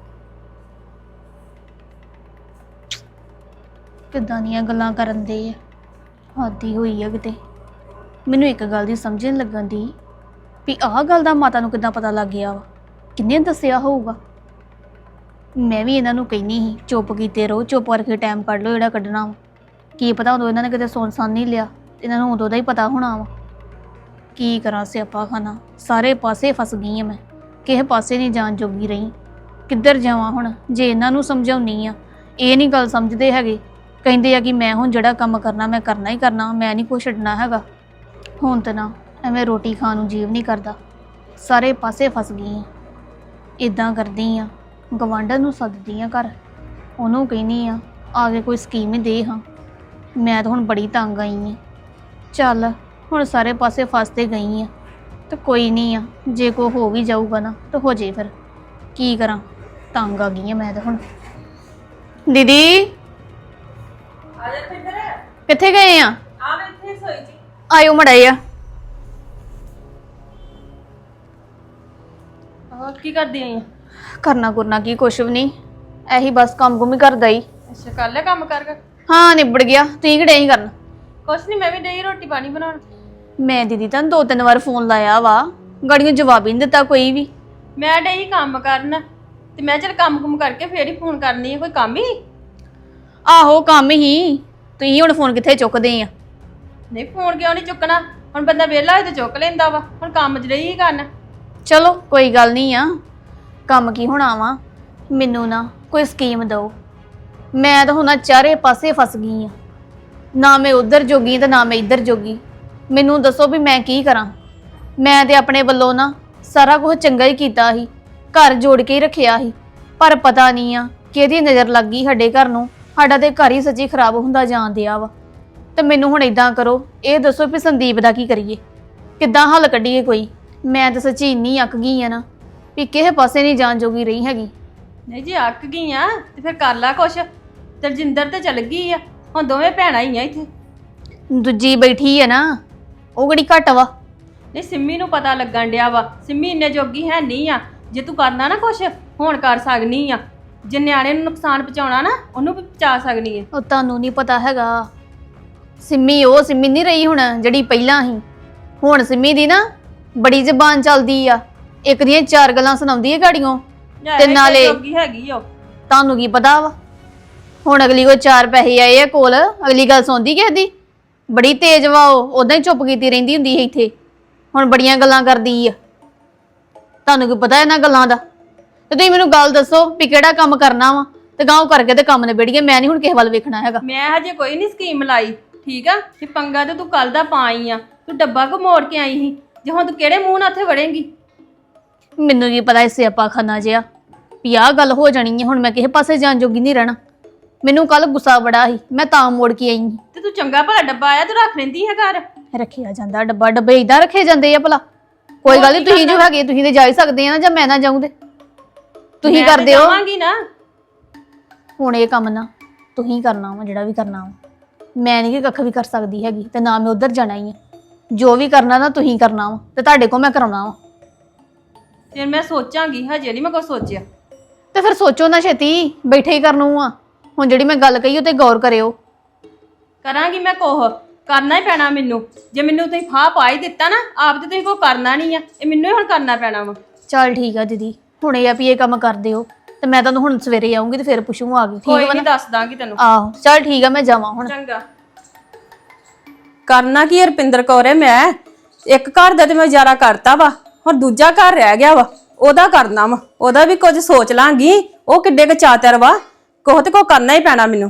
ਕਿੱਦਾਂ ਦੀਆਂ ਗੱਲਾਂ ਕਰਨ ਦੇ ਆ, ਹੱਦੀ ਹੋਈ ਆ ਕਿਤੇ। ਮੈਨੂੰ ਇੱਕ ਗੱਲ ਦੀ ਸਮਝ ਨਹੀਂ ਲੱਗਣ ਦੀ ਵੀ ਆਹ ਗੱਲ ਦਾ ਮਾਤਾ ਨੂੰ ਕਿੱਦਾਂ ਪਤਾ ਲੱਗ ਗਿਆ ਵਾ, ਕਿੰਨੇ ਦੱਸਿਆ ਹੋਊਗਾ? ਮੈਂ ਵੀ ਇਹਨਾਂ ਨੂੰ ਕਹਿਨੀ ਸੀ ਚੁੱਪ ਕੀਤੇ ਰਹੋ, ਚੁੱਪ ਕਰਕੇ ਟਾਈਮ ਕੱਢ ਲਓ ਜਿਹੜਾ ਕੱਢਣਾ ਵਾ। ਕੀ ਪਤਾ ਉਦੋਂ ਇਹਨਾਂ ਨੇ ਕਿਤੇ ਸੁਣ ਸਾਨ ਨਹੀਂ ਲਿਆ, ਇਹਨਾਂ ਨੂੰ ਉਦੋਂ ਦਾ ਹੀ ਪਤਾ ਹੋਣਾ ਵਾ। ਕੀ ਕਰਾਂ, ਸਿਆਪਾ ਖਾਨਾ, ਸਾਰੇ ਪਾਸੇ ਫਸ ਗਈ ਆ ਮੈਂ, ਕਿਸੇ ਪਾਸੇ ਨਹੀਂ ਜਾਣ ਜੋਗੀ ਰਹੀ। ਕਿੱਧਰ ਜਾਵਾਂ ਹੁਣ? ਜੇ ਇਹਨਾਂ ਨੂੰ ਸਮਝਾਉਣੀ ਆ, ਇਹ ਨਹੀਂ ਗੱਲ ਸਮਝਦੇ ਹੈਗੇ। ਕਹਿੰਦੇ ਆ ਕਿ ਮੈਂ ਹੁਣ ਜਿਹੜਾ ਕੰਮ ਕਰਨਾ ਮੈਂ ਕਰਨਾ ਹੀ ਕਰਨਾ, ਮੈਂ ਨਹੀਂ ਕੁਛ ਛੱਡਣਾ ਹੈਗਾ। ਹੁਣ ਤਾਂ ਨਾ ਐਵੇਂ ਰੋਟੀ ਖਾਣ ਨੂੰ ਜੀਵ ਨਹੀਂ ਕਰਦਾ, ਸਾਰੇ ਪਾਸੇ ਫਸ ਗਈ ਆ। ਇਦਾਂ ਕਰਦੀ ਆ, ਗਵਾਂਢਣ ਨੂੰ ਸੱਦਦੀ ਆ ਘਰ, ਉਹਨੂੰ ਕਹਿੰਦੀ ਆ ਆ ਕੇ ਕੋਈ ਸਕੀਮ ਹੀ ਦੇ ਹਾਂ। ਮੈਂ ਤਾਂ ਹੁਣ ਬੜੀ ਤੰਗ ਆਈ ਆ। ਚੱਲ ਹੁਣ ਸਾਰੇ ਪਾਸੇ ਫਸ ਤੇ ਗਈ ਆ, ਤੇ ਕੋਈ ਨਹੀਂ ਆ, ਜੇ ਕੋ ਹੋ ਵੀ ਜਾਊਗਾ ਨਾ ਤਾਂ ਹੋ ਜੇ। ਫਿਰ ਕੀ ਕਰਾਂ, ਤੰਗ ਆ ਗਈ ਆ ਮੈਂ ਤਾਂ ਹੁਣ। ਦੀਦੀ ਕਿੱਥੇ ਗਏ ਆ? ਆਇਓ ਮੜਾਈ ਆ।
ਕੀ ਕਰਦੀ ਆਈ?
ਕਰਨਾ ਕੁਰਨਾ ਕੀ, ਕੁਛ ਵੀ ਨਹੀਂ, ਇਹੀ ਬਸ ਕੰਮ ਕੁਮ ਹੀ ਕਰਦਾ ਹੀ।
ਅੱਛਾ, ਕਰ ਲਿਆ ਕੰਮ ਕਰ ਕਰ?
ਹਾਂ ਨਿਬੜ ਗਿਆ, ਤੁਸੀਂ ਕਿਹੜੇ ਹੀ ਕਰਨ?
ਕੁਛ ਨਹੀਂ, ਮੈਂ ਵੀ ਡਈ ਰੋਟੀ ਪਾਣੀ ਬਣਾਉਣ।
ਮੈਂ ਦੀਦੀ ਤੁਹਾਨੂੰ ਦੋ ਤਿੰਨ ਵਾਰ ਫੋਨ ਲਾਇਆ ਵਾ, ਗਾੜੀਆਂ ਜਵਾਬ ਹੀ ਨਹੀਂ ਦਿੱਤਾ ਕੋਈ ਵੀ।
ਮੈਂ ਡਈ ਕੰਮ ਕਰਨ, ਤੇ ਮੈਂ ਚਲ ਕੰਮ ਕੁਮ ਕਰਕੇ ਫੇਰ ਹੀ ਫੋਨ ਕਰਨੀ ਹੈ। ਕੋਈ ਕੰਮ ਹੀ?
ਆਹੋ ਕੰਮ ਹੀ। ਤੁਸੀਂ ਹੁਣ ਫੋਨ ਕਿੱਥੇ ਚੁੱਕਦੇ ਆ?
ਨਹੀਂ, ਫੋਨ ਕਿਉਂ ਨਹੀਂ ਚੁੱਕਣਾ? ਹੁਣ ਬੰਦਾ ਵਿਹਲਾ ਹੋਏ ਤੇ ਚੁੱਕ ਲੈਂਦਾ ਵਾ। ਹੁਣ ਕੰਮ 'ਚ ਰਹੀ ਕਰਨ।
ਚਲੋ ਕੋਈ ਗੱਲ ਨਹੀਂ ਆ, ਕੰਮ ਕੀ ਹੋਣਾ ਵਾ। ਮੈਨੂੰ ਨਾ ਕੋਈ ਸਕੀਮ ਦਿਓ, ਮੈਂ ਤਾਂ ਹੁਣ ਚਾਰੇ ਪਾਸੇ ਫਸ ਗਈ ਆ। ਨਾ ਮੈਂ ਉਧਰ ਜੋਗੀ ਤੇ ਨਾ ਮੈਂ ਇੱਧਰ ਜੋਗੀ। ਮੈਨੂੰ ਦੱਸੋ ਵੀ ਮੈਂ ਕੀ ਕਰਾਂ? ਮੈਂ ਤੇ ਆਪਣੇ ਵੱਲੋਂ ਨਾ ਸਾਰਾ ਕੁਝ ਚੰਗਾ ਹੀ ਕੀਤਾ ਸੀ, ਘਰ ਜੋੜ ਕੇ ਹੀ ਰੱਖਿਆ ਸੀ, ਪਰ ਪਤਾ ਨਹੀਂ ਆ ਕਿਹਦੀ ਨਜ਼ਰ ਲੱਗ ਗਈ ਸਾਡੇ ਘਰ ਨੂੰ। ਸਾਡਾ ਤੇ ਘਰ ਹੀ ਸੱਚੀ ਖਰਾਬ ਹੁੰਦਾ ਜਾਣ ਦਿਆ ਵਾ। ਤੇ ਮੈਨੂੰ ਹੁਣ ਇਦਾਂ ਕਰੋ, ਇਹ ਦੱਸੋ ਵੀ ਸੰਦੀਪ ਦਾ ਕੀ ਕਰੀਏ, ਕਿੱਦਾਂ ਹੱਲ ਕੱਢੀਏ ਕੋਈ? ਮੈਂ ਤਾਂ ਸੱਚੀ ਇੰਨੀ ਅੱਕ ਗਈ ਆ ਨਾ ਵੀ ਕਿਸੇ ਪਾਸੇ ਨਹੀਂ ਜਾਣ ਜੋਗੀ ਰਹੀ ਹੈਗੀ।
ਨਹੀਂ ਜੀ ਅੱਕ ਗਈ ਆ ਤੇ ਫਿਰ ਕਰ ਲਾ ਕੁਛ। ਤਰਜਿੰਦਰ ਤੇ ਚਲ ਗਈ ਆ, ਹੁਣ ਦੋਵੇਂ ਭੈਣਾਂ ਹੀ ਆ ਇੱਥੇ।
ਦੂਜੀ ਬੈਠੀ ਆ ਨਾ, ਉਹ ਕਿਹੜੀ ਘੱਟ ਵਾ।
ਨਹੀਂ ਸਿੰਮੀ ਨੂੰ ਪਤਾ ਲੱਗਣ ਡਿਆ ਵਾ, ਸਿੰਮੀ ਇੰਨੇ ਜੋਗੀ ਹੈ ਨਹੀਂ ਆ। ਜੇ ਤੂੰ ਕਰਨਾ ਨਾ ਕੁਛ ਹੁਣ ਕਰ ਸਕਨੀ ਆ। ਜੇ ਨਿਆਣੇ ਨੂੰ ਨੁਕਸਾਨ ਪਹੁੰਚਾਉਣਾ ਨਾ ਉਹਨੂੰ ਵੀ ਪਹੁੰਚਾ ਸਕਨੀ ਹੈ।
ਉਹ ਤੁਹਾਨੂੰ ਨਹੀਂ ਪਤਾ ਹੈਗਾ, ਸਿੰਮੀ ਉਹ ਸਿੰਮੀ ਨਹੀਂ ਰਹੀ ਹੁਣ ਜਿਹੜੀ ਪਹਿਲਾਂ ਸੀ। ਹੁਣ ਸਿੰਮੀ ਦੀ ਨਾ ਬੜੀ ਜ਼ਬਾਨ ਚੱਲਦੀ ਆ, ਇੱਕ ਦੀਆਂ ਚਾਰ ਗੱਲਾਂ ਸੁਣਾਉਂਦੀ ਹੈ ਗਾੜੀਆਂ। ਤੇ ਨਾਲੇ
ਜੋਗੀ ਹੈਗੀ ਉਹ।
ਤੁਹਾਨੂੰ ਕੀ ਪਤਾ ਵਾ, ਹੁਣ ਅਗਲੀ ਕੋ ਚਾਰ ਪੈਸੇ ਆਏ ਆ ਕੋਲ, ਅਗਲੀ ਗੱਲ ਸੁਣਦੀ ਕਿਸੇ ਦੀ। ਬੜੀ ਤੇਜ਼ ਵਾ, ਉਹ ਉਦਾਂ ਹੀ ਚੁੱਪ ਕੀਤੀ ਰਹਿੰਦੀ ਹੁੰਦੀ ਹੈ ਇੱਥੇ, ਹੁਣ ਬੜੀਆਂ ਗੱਲਾਂ ਕਰਦੀ ਆ। ਤੁਹਾਨੂੰ ਕੀ ਪਤਾ ਇਹਨਾਂ ਗੱਲਾਂ ਦਾ? ਤੇ ਤੁਸੀਂ ਮੈਨੂੰ ਗੱਲ ਦੱਸੋ ਵੀ ਕਿਹੜਾ ਕੰਮ ਕਰਨਾ ਵਾ, ਤੇ ਗਾਂਵ ਕਰਕੇ ਤੇ ਕੰਮ ਨਿਬੇੜੀਏ। ਮੈਂ ਨਹੀਂ ਹੁਣ ਕਿਸੇ ਵੱਲ ਵੇਖਣਾ ਹੈਗਾ।
ਮੈਂ ਹਜੇ ਕੋਈ ਨਹੀਂ ਸਕੀਮ ਲਾਈ, ਠੀਕ ਆ? ਕਿ ਪੰਗਾ ਤੇ ਤੂੰ ਕੱਲ ਦਾ ਪਾ ਆਈ ਆ, ਤੂੰ ਡੱਬਾ ਕੋ ਮੋੜ ਕੇ ਆਈ ਸੀ। ਜੇ ਹੁਣ ਤੂੰ ਕਿਹੜੇ ਮੂੰਹ ਨਾਲ ਉੱਥੇ ਵੜੇਂਗੀ?
ਮੈਨੂੰ ਕੀ ਪਤਾ ਇਸੇ ਆਪਾਂ ਖਾਨਾ ਜਿਆ ਵੀ ਆਹ ਗੱਲ ਹੋ ਜਾਣੀ ਹੈ। ਹੁਣ ਮੈਂ ਕਿਸੇ ਪਾਸੇ ਜਾਣ ਜੋਗੀ ਨਹੀਂ ਰਹਿਣਾ। ਮੈਨੂੰ ਕੱਲ ਗੁੱਸਾ ਬੜਾ ਸੀ, ਮੈਂ ਤਾਂ ਮੋੜ ਕੇ ਆਈ ਸੀ।
ਤੇ ਤੂੰ ਚੰਗਾ ਭਲਾ ਡੱਬਾ ਆਇਆ ਤੂੰ ਰੱਖ ਲੈਂਦੀ ਹੈ ਘਰ।
ਰੱਖਿਆ ਜਾਂਦਾ ਡੱਬਾ, ਡੱਬੇ ਇਦਾਂ ਰੱਖੇ ਜਾਂਦੇ ਆ ਭਲਾ? ਕੋਈ ਗੱਲ ਨਹੀਂ, ਤੁਸੀਂ ਜੋ ਹੈਗੇ ਤੁਸੀਂ ਤੇ ਜਾ ਹੀ ਸਕਦੇ ਆ ਨਾ, ਜਾਂ ਮੈਂ ਨਾ ਜਾਊਂ ਤੇ ਤੁਸੀਂ
ਮੈਂ ਤੇ
ਕਰਦੇ ਹੋ।
ਜਾਵਾਂਗੀ ਨਾ।
ਹੁਣ ਇਹ ਕੰਮ ਨਾ ਤੁਸੀਂ ਕਰਨਾ ਵਾ, ਜਿਹੜਾ ਵੀ ਕਰਨਾ ਵਾ। ਮੈਂ ਨਹੀਂ ਕਿ ਕੱਖ ਵੀ ਕਰ ਸਕਦੀ ਹੈਗੀ, ਤੇ ਨਾ ਮੈਂ ਉਧਰ ਜਾਣਾ ਹੀ ਆ। ਜੋ ਵੀ ਕਰਨਾ ਨਾ ਤੁਸੀਂ ਕਰਨਾ ਵਾ, ਤੇ ਤੁਹਾਡੇ ਕੋਲ ਮੈਂ ਕਰਾਉਣਾ ਵਾ।
ਫਿਰ ਮੈਂ ਸੋਚਾਂਗੀ, ਹਜੇ ਨਹੀਂ ਮੈਂ ਕੁਛ ਸੋਚਿਆ।
ਤੇ ਫਿਰ ਸੋਚੋ ਨਾ ਛੇਤੀ, ਬੈਠੇ ਹੀ ਕਰਨੂ ਆ। ਹੁਣ ਜਿਹੜੀ ਮੈਂ ਗੱਲ ਕਹੀ ਉਹ ਤੇ ਗੌਰ ਕਰਿਓ।
ਕਰਾਂਗੀ ਮੈਂ ਕੋਹ, ਕਰਨਾ ਹੀ ਪੈਣਾ ਮੈਨੂੰ। ਜੇ ਮੈਨੂੰ ਤੁਸੀਂ ਫਾਹ ਪਾ ਹੀ ਦਿੱਤਾ ਨਾ, ਆਪ ਤੇ ਤੁਸੀਂ ਕੋਈ ਕਰਨਾ ਨਹੀਂ ਆ, ਇਹ ਮੈਨੂੰ ਹੀ ਹੁਣ ਕਰਨਾ ਪੈਣਾ ਵਾ।
ਚੱਲ ਠੀਕ ਆ ਦੀਦੀ, ਹੁਣ ਇਹ ਆ ਵੀ ਇਹ ਕੰਮ ਕਰ ਦਿਓ, ਤੇ ਮੈਂ ਤੁਹਾਨੂੰ ਹੁਣ ਸਵੇਰੇ ਆਉਂਗੀ ਤੇ ਫਿਰ ਪੁੱਛੂ ਆ ਗਈ।
ਕੋਈ
ਠੀਕ ਵਾ
ਨਹੀਂ,
ਨਾ?
ਦੱਸ ਦਾਂਗੀ ਤੈਨੂੰ।
ਆਹੋ ਚੱਲ ਠੀਕ ਆ, ਮੈਂ ਜਾਵਾਂ ਹੁਣ।
ਚੰਗਾ। ਕਰਨਾ ਕੀ ਰਪਿੰਦਰ ਕੌਰ ਹੈ, ਮੈਂ ਇੱਕ ਘਰ ਦਾ ਤੇ ਮੈਂ ਗੁਜ਼ਾਰਾ ਕਰਤਾ ਵਾ, ਹੁਣ ਦੂਜਾ ਘਰ ਰਹਿ ਗਿਆ ਵਾ, ਉਹਦਾ ਕਰਨਾ ਵਾ। ਉਹਦਾ ਵੀ ਕੁਝ ਸੋਚ ਲਾਂਗੀ, ਉਹ ਕਿੱਡੇ ਕੁ ਚਾਤਰ ਵਾ, ਕੋਹ ਤੇ ਕੋ ਕਰਨਾ ਹੀ ਪੈਣਾ ਮੈਨੂੰ।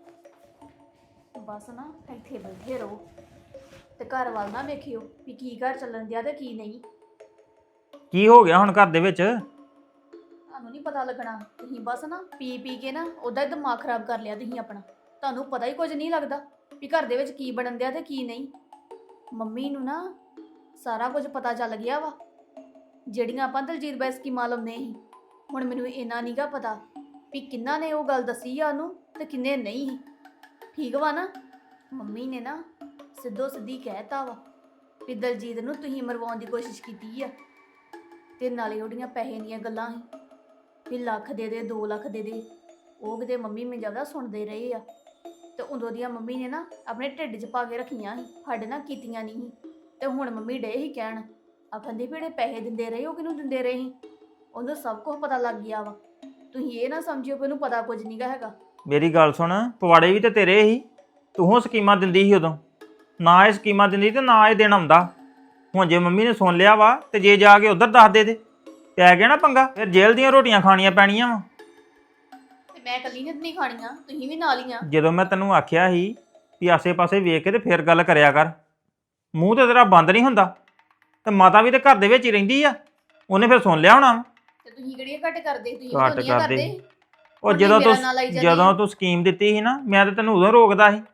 ਬਸ ਨਾ ਇੱਥੇ ਬੈਠੇ ਰਹੋ, ਤੇ ਘਰ ਵੱਲ ਨਾ ਵੇਖਿਓ ਵੀ ਕੀ ਘਰ ਚੱਲਣ ਦਿਆ ਤੇ ਕੀ ਨਹੀਂ।
ਕੀ ਹੋ ਗਿਆ ਹੁਣ ਘਰ ਦੇ ਵਿੱਚ?
ਤੁਹਾਨੂੰ ਨਹੀਂ ਪਤਾ ਲੱਗਣਾ। ਤੁਸੀਂ ਬਸ ਨਾ ਪੀ ਪੀ ਕੇ ਨਾ ਉਹਦਾ ਹੀ ਦਿਮਾਗ ਖਰਾਬ ਕਰ ਲਿਆ ਤੁਸੀਂ ਆਪਣਾ। ਤੁਹਾਨੂੰ ਪਤਾ ਹੀ ਕੁਝ ਨਹੀਂ ਲੱਗਦਾ ਵੀ ਘਰ ਦੇ ਵਿੱਚ ਕੀ ਬਣਨ ਦਿਆ ਤੇ ਕੀ ਨਹੀਂ। ਮੰਮੀ ਨੂੰ ਨਾ ਸਾਰਾ ਕੁਝ ਪਤਾ ਚੱਲ ਗਿਆ ਵਾ, ਜਿਹੜੀਆਂ ਆਪਾਂ ਦਲਜੀਤ ਬਾਈ ਸਕੀਮਾਂ ਲਾਉਂਦੇ ਸੀ। ਹੁਣ ਮੈਨੂੰ ਇੰਨਾ ਨਹੀਂਗਾ ਪਤਾ ਵੀ ਕਿੰਨਾ ਨੇ ਉਹ ਗੱਲ ਦੱਸੀ ਆ ਉਹਨੂੰ ਤੇ ਕਿੰਨੇ ਨਹੀਂ। ਠੀਕ ਵਾ ਨਾ? ਮੰਮੀ ਨੇ ਨਾ ਸਿੱਧੋ ਸਿੱਧੀ ਕਹਿਤਾ ਵਾ ਵੀ ਦਲਜੀਤ ਨੂੰ ਤੁਸੀਂ ਮਰਵਾਉਣ ਦੀ ਕੋਸ਼ਿਸ਼ ਕੀਤੀ ਆ, ਤੇ ਨਾਲੇ ਉਹਦੀਆਂ ਪੈਸੇ ਦੀਆਂ ਗੱਲਾਂ ਸੀ ਵੀ ਲੱਖ ਦੇ ਦੇ, ਦੋ ਲੱਖ ਦੇ ਦੇ। ਉਹ ਕਿਤੇ ਮੰਮੀ ਮੈਨੂੰ ਜ਼ਿਆਦਾ ਸੁਣਦੇ ਰਹੇ ਆ, ਤੇ ਉਦੋਂ ਦੀਆਂ ਮੰਮੀ ਨੇ ਨਾ ਆਪਣੇ ਢਿੱਡ 'ਚ ਪਾ ਕੇ ਰੱਖੀਆਂ ਸੀ, ਸਾਡੇ ਨਾਲ ਕੀਤੀਆਂ ਨਹੀਂ ਸੀ। ਤੇ ਹੁਣ ਮੰਮੀ ਡੇ ਹੀ ਕਹਿਣ, ਆਖੰਦੇ ਵੀ ਜਿਹੜੇ ਪੈਸੇ ਦਿੰਦੇ ਰਹੇ ਉਹ ਕਿਹਨੂੰ ਦਿੰਦੇ ਰਹੇ ਸੀ, ਉਹਨੂੰ ਸਭ ਕੁਝ ਪਤਾ ਲੱਗ ਗਿਆ ਵਾ। ਤੁਸੀਂ ਇਹ ਨਾ ਸਮਝਿਓ ਕਿ ਉਹਨੂੰ ਪਤਾ ਕੁਝ ਨਹੀਂਗਾ ਹੈਗਾ।
ਮੇਰੀ ਗੱਲ ਸੁਣ, ਪਵਾੜੇ ਵੀ ਤੇ ਤੇਰੇ ਹੀ, ਤੂੰ ਸਕੀਮਾਂ ਦਿੰਦੀ ਸੀ ਉਦੋਂ। ਨਾ ਇਹ ਸਕੀਮਾਂ ਦਿੰਦੀ ਤੇ ਨਾ ਇਹ ਦਿਨ ਆਉਂਦਾ। ਹੁਣ ਜੇ ਮੰਮੀ ਨੇ ਸੁਣ ਲਿਆ ਵਾ, ਤੇ ਜੇ ਜਾ ਕੇ ਉਧਰ ਦੱਸ ਦੇ ਦੇ ਪੈ ਗਿਆ ਨਾ ਪੰਗਾ, ਫਿਰ ਜੇਲ੍ਹ ਦੀਆਂ ਰੋਟੀਆਂ ਖਾਣੀਆਂ ਪੈਣੀਆਂ ਵਾ।
ਤੇ ਮੈਂ ਇਕੱਲੀ ਨੇ ਨਹੀਂ ਖਾਣੀਆਂ, ਤੁਸੀਂ ਵੀ ਨਾਲ ਹੀ ਆ।
ਜਦੋਂ ਮੈਂ ਤੈਨੂੰ ਆਖਿਆ ਸੀ ਵੀ ਆਸੇ-ਪਾਸੇ ਵੇਖ ਕੇ ਤੇ ਫਿਰ ਗੱਲ ਕਰਿਆ ਕਰ, ਮੂੰਹ ਤੇ ਤੇਰਾ ਬੰਦ ਨਹੀਂ ਹੁੰਦਾ। ਤੇ ਮਾਤਾ ਵੀ ਤੇ ਘਰ ਦੇ ਵਿੱਚ ਹੀ ਰਹਿੰਦੀ ਆ, ਉਹਨੇ ਫਿਰ ਸੁਣ ਲਿਆ ਹੋਣਾ।
ਤੇ ਤੁਸੀਂ ਕਿਹੜੀਆਂ ਘੱਟ ਕਰਦੇ? ਤੁਸੀਂ
ਘੱਟ
ਦੋਨੀਆਂ
ਕਰਦੇ।
ਕਰਦੇ।
ਉਹ ਜਦੋਂ ਤੂੰ ਜਦੋਂ ਤੂੰ ਸਕੀਮ ਦਿੱਤੀ ਸੀ ਨਾ, ਮੈਂ ਤੇ ਤੈਨੂੰ ਉਦੋਂ ਰੋਕਦਾ ਸੀ।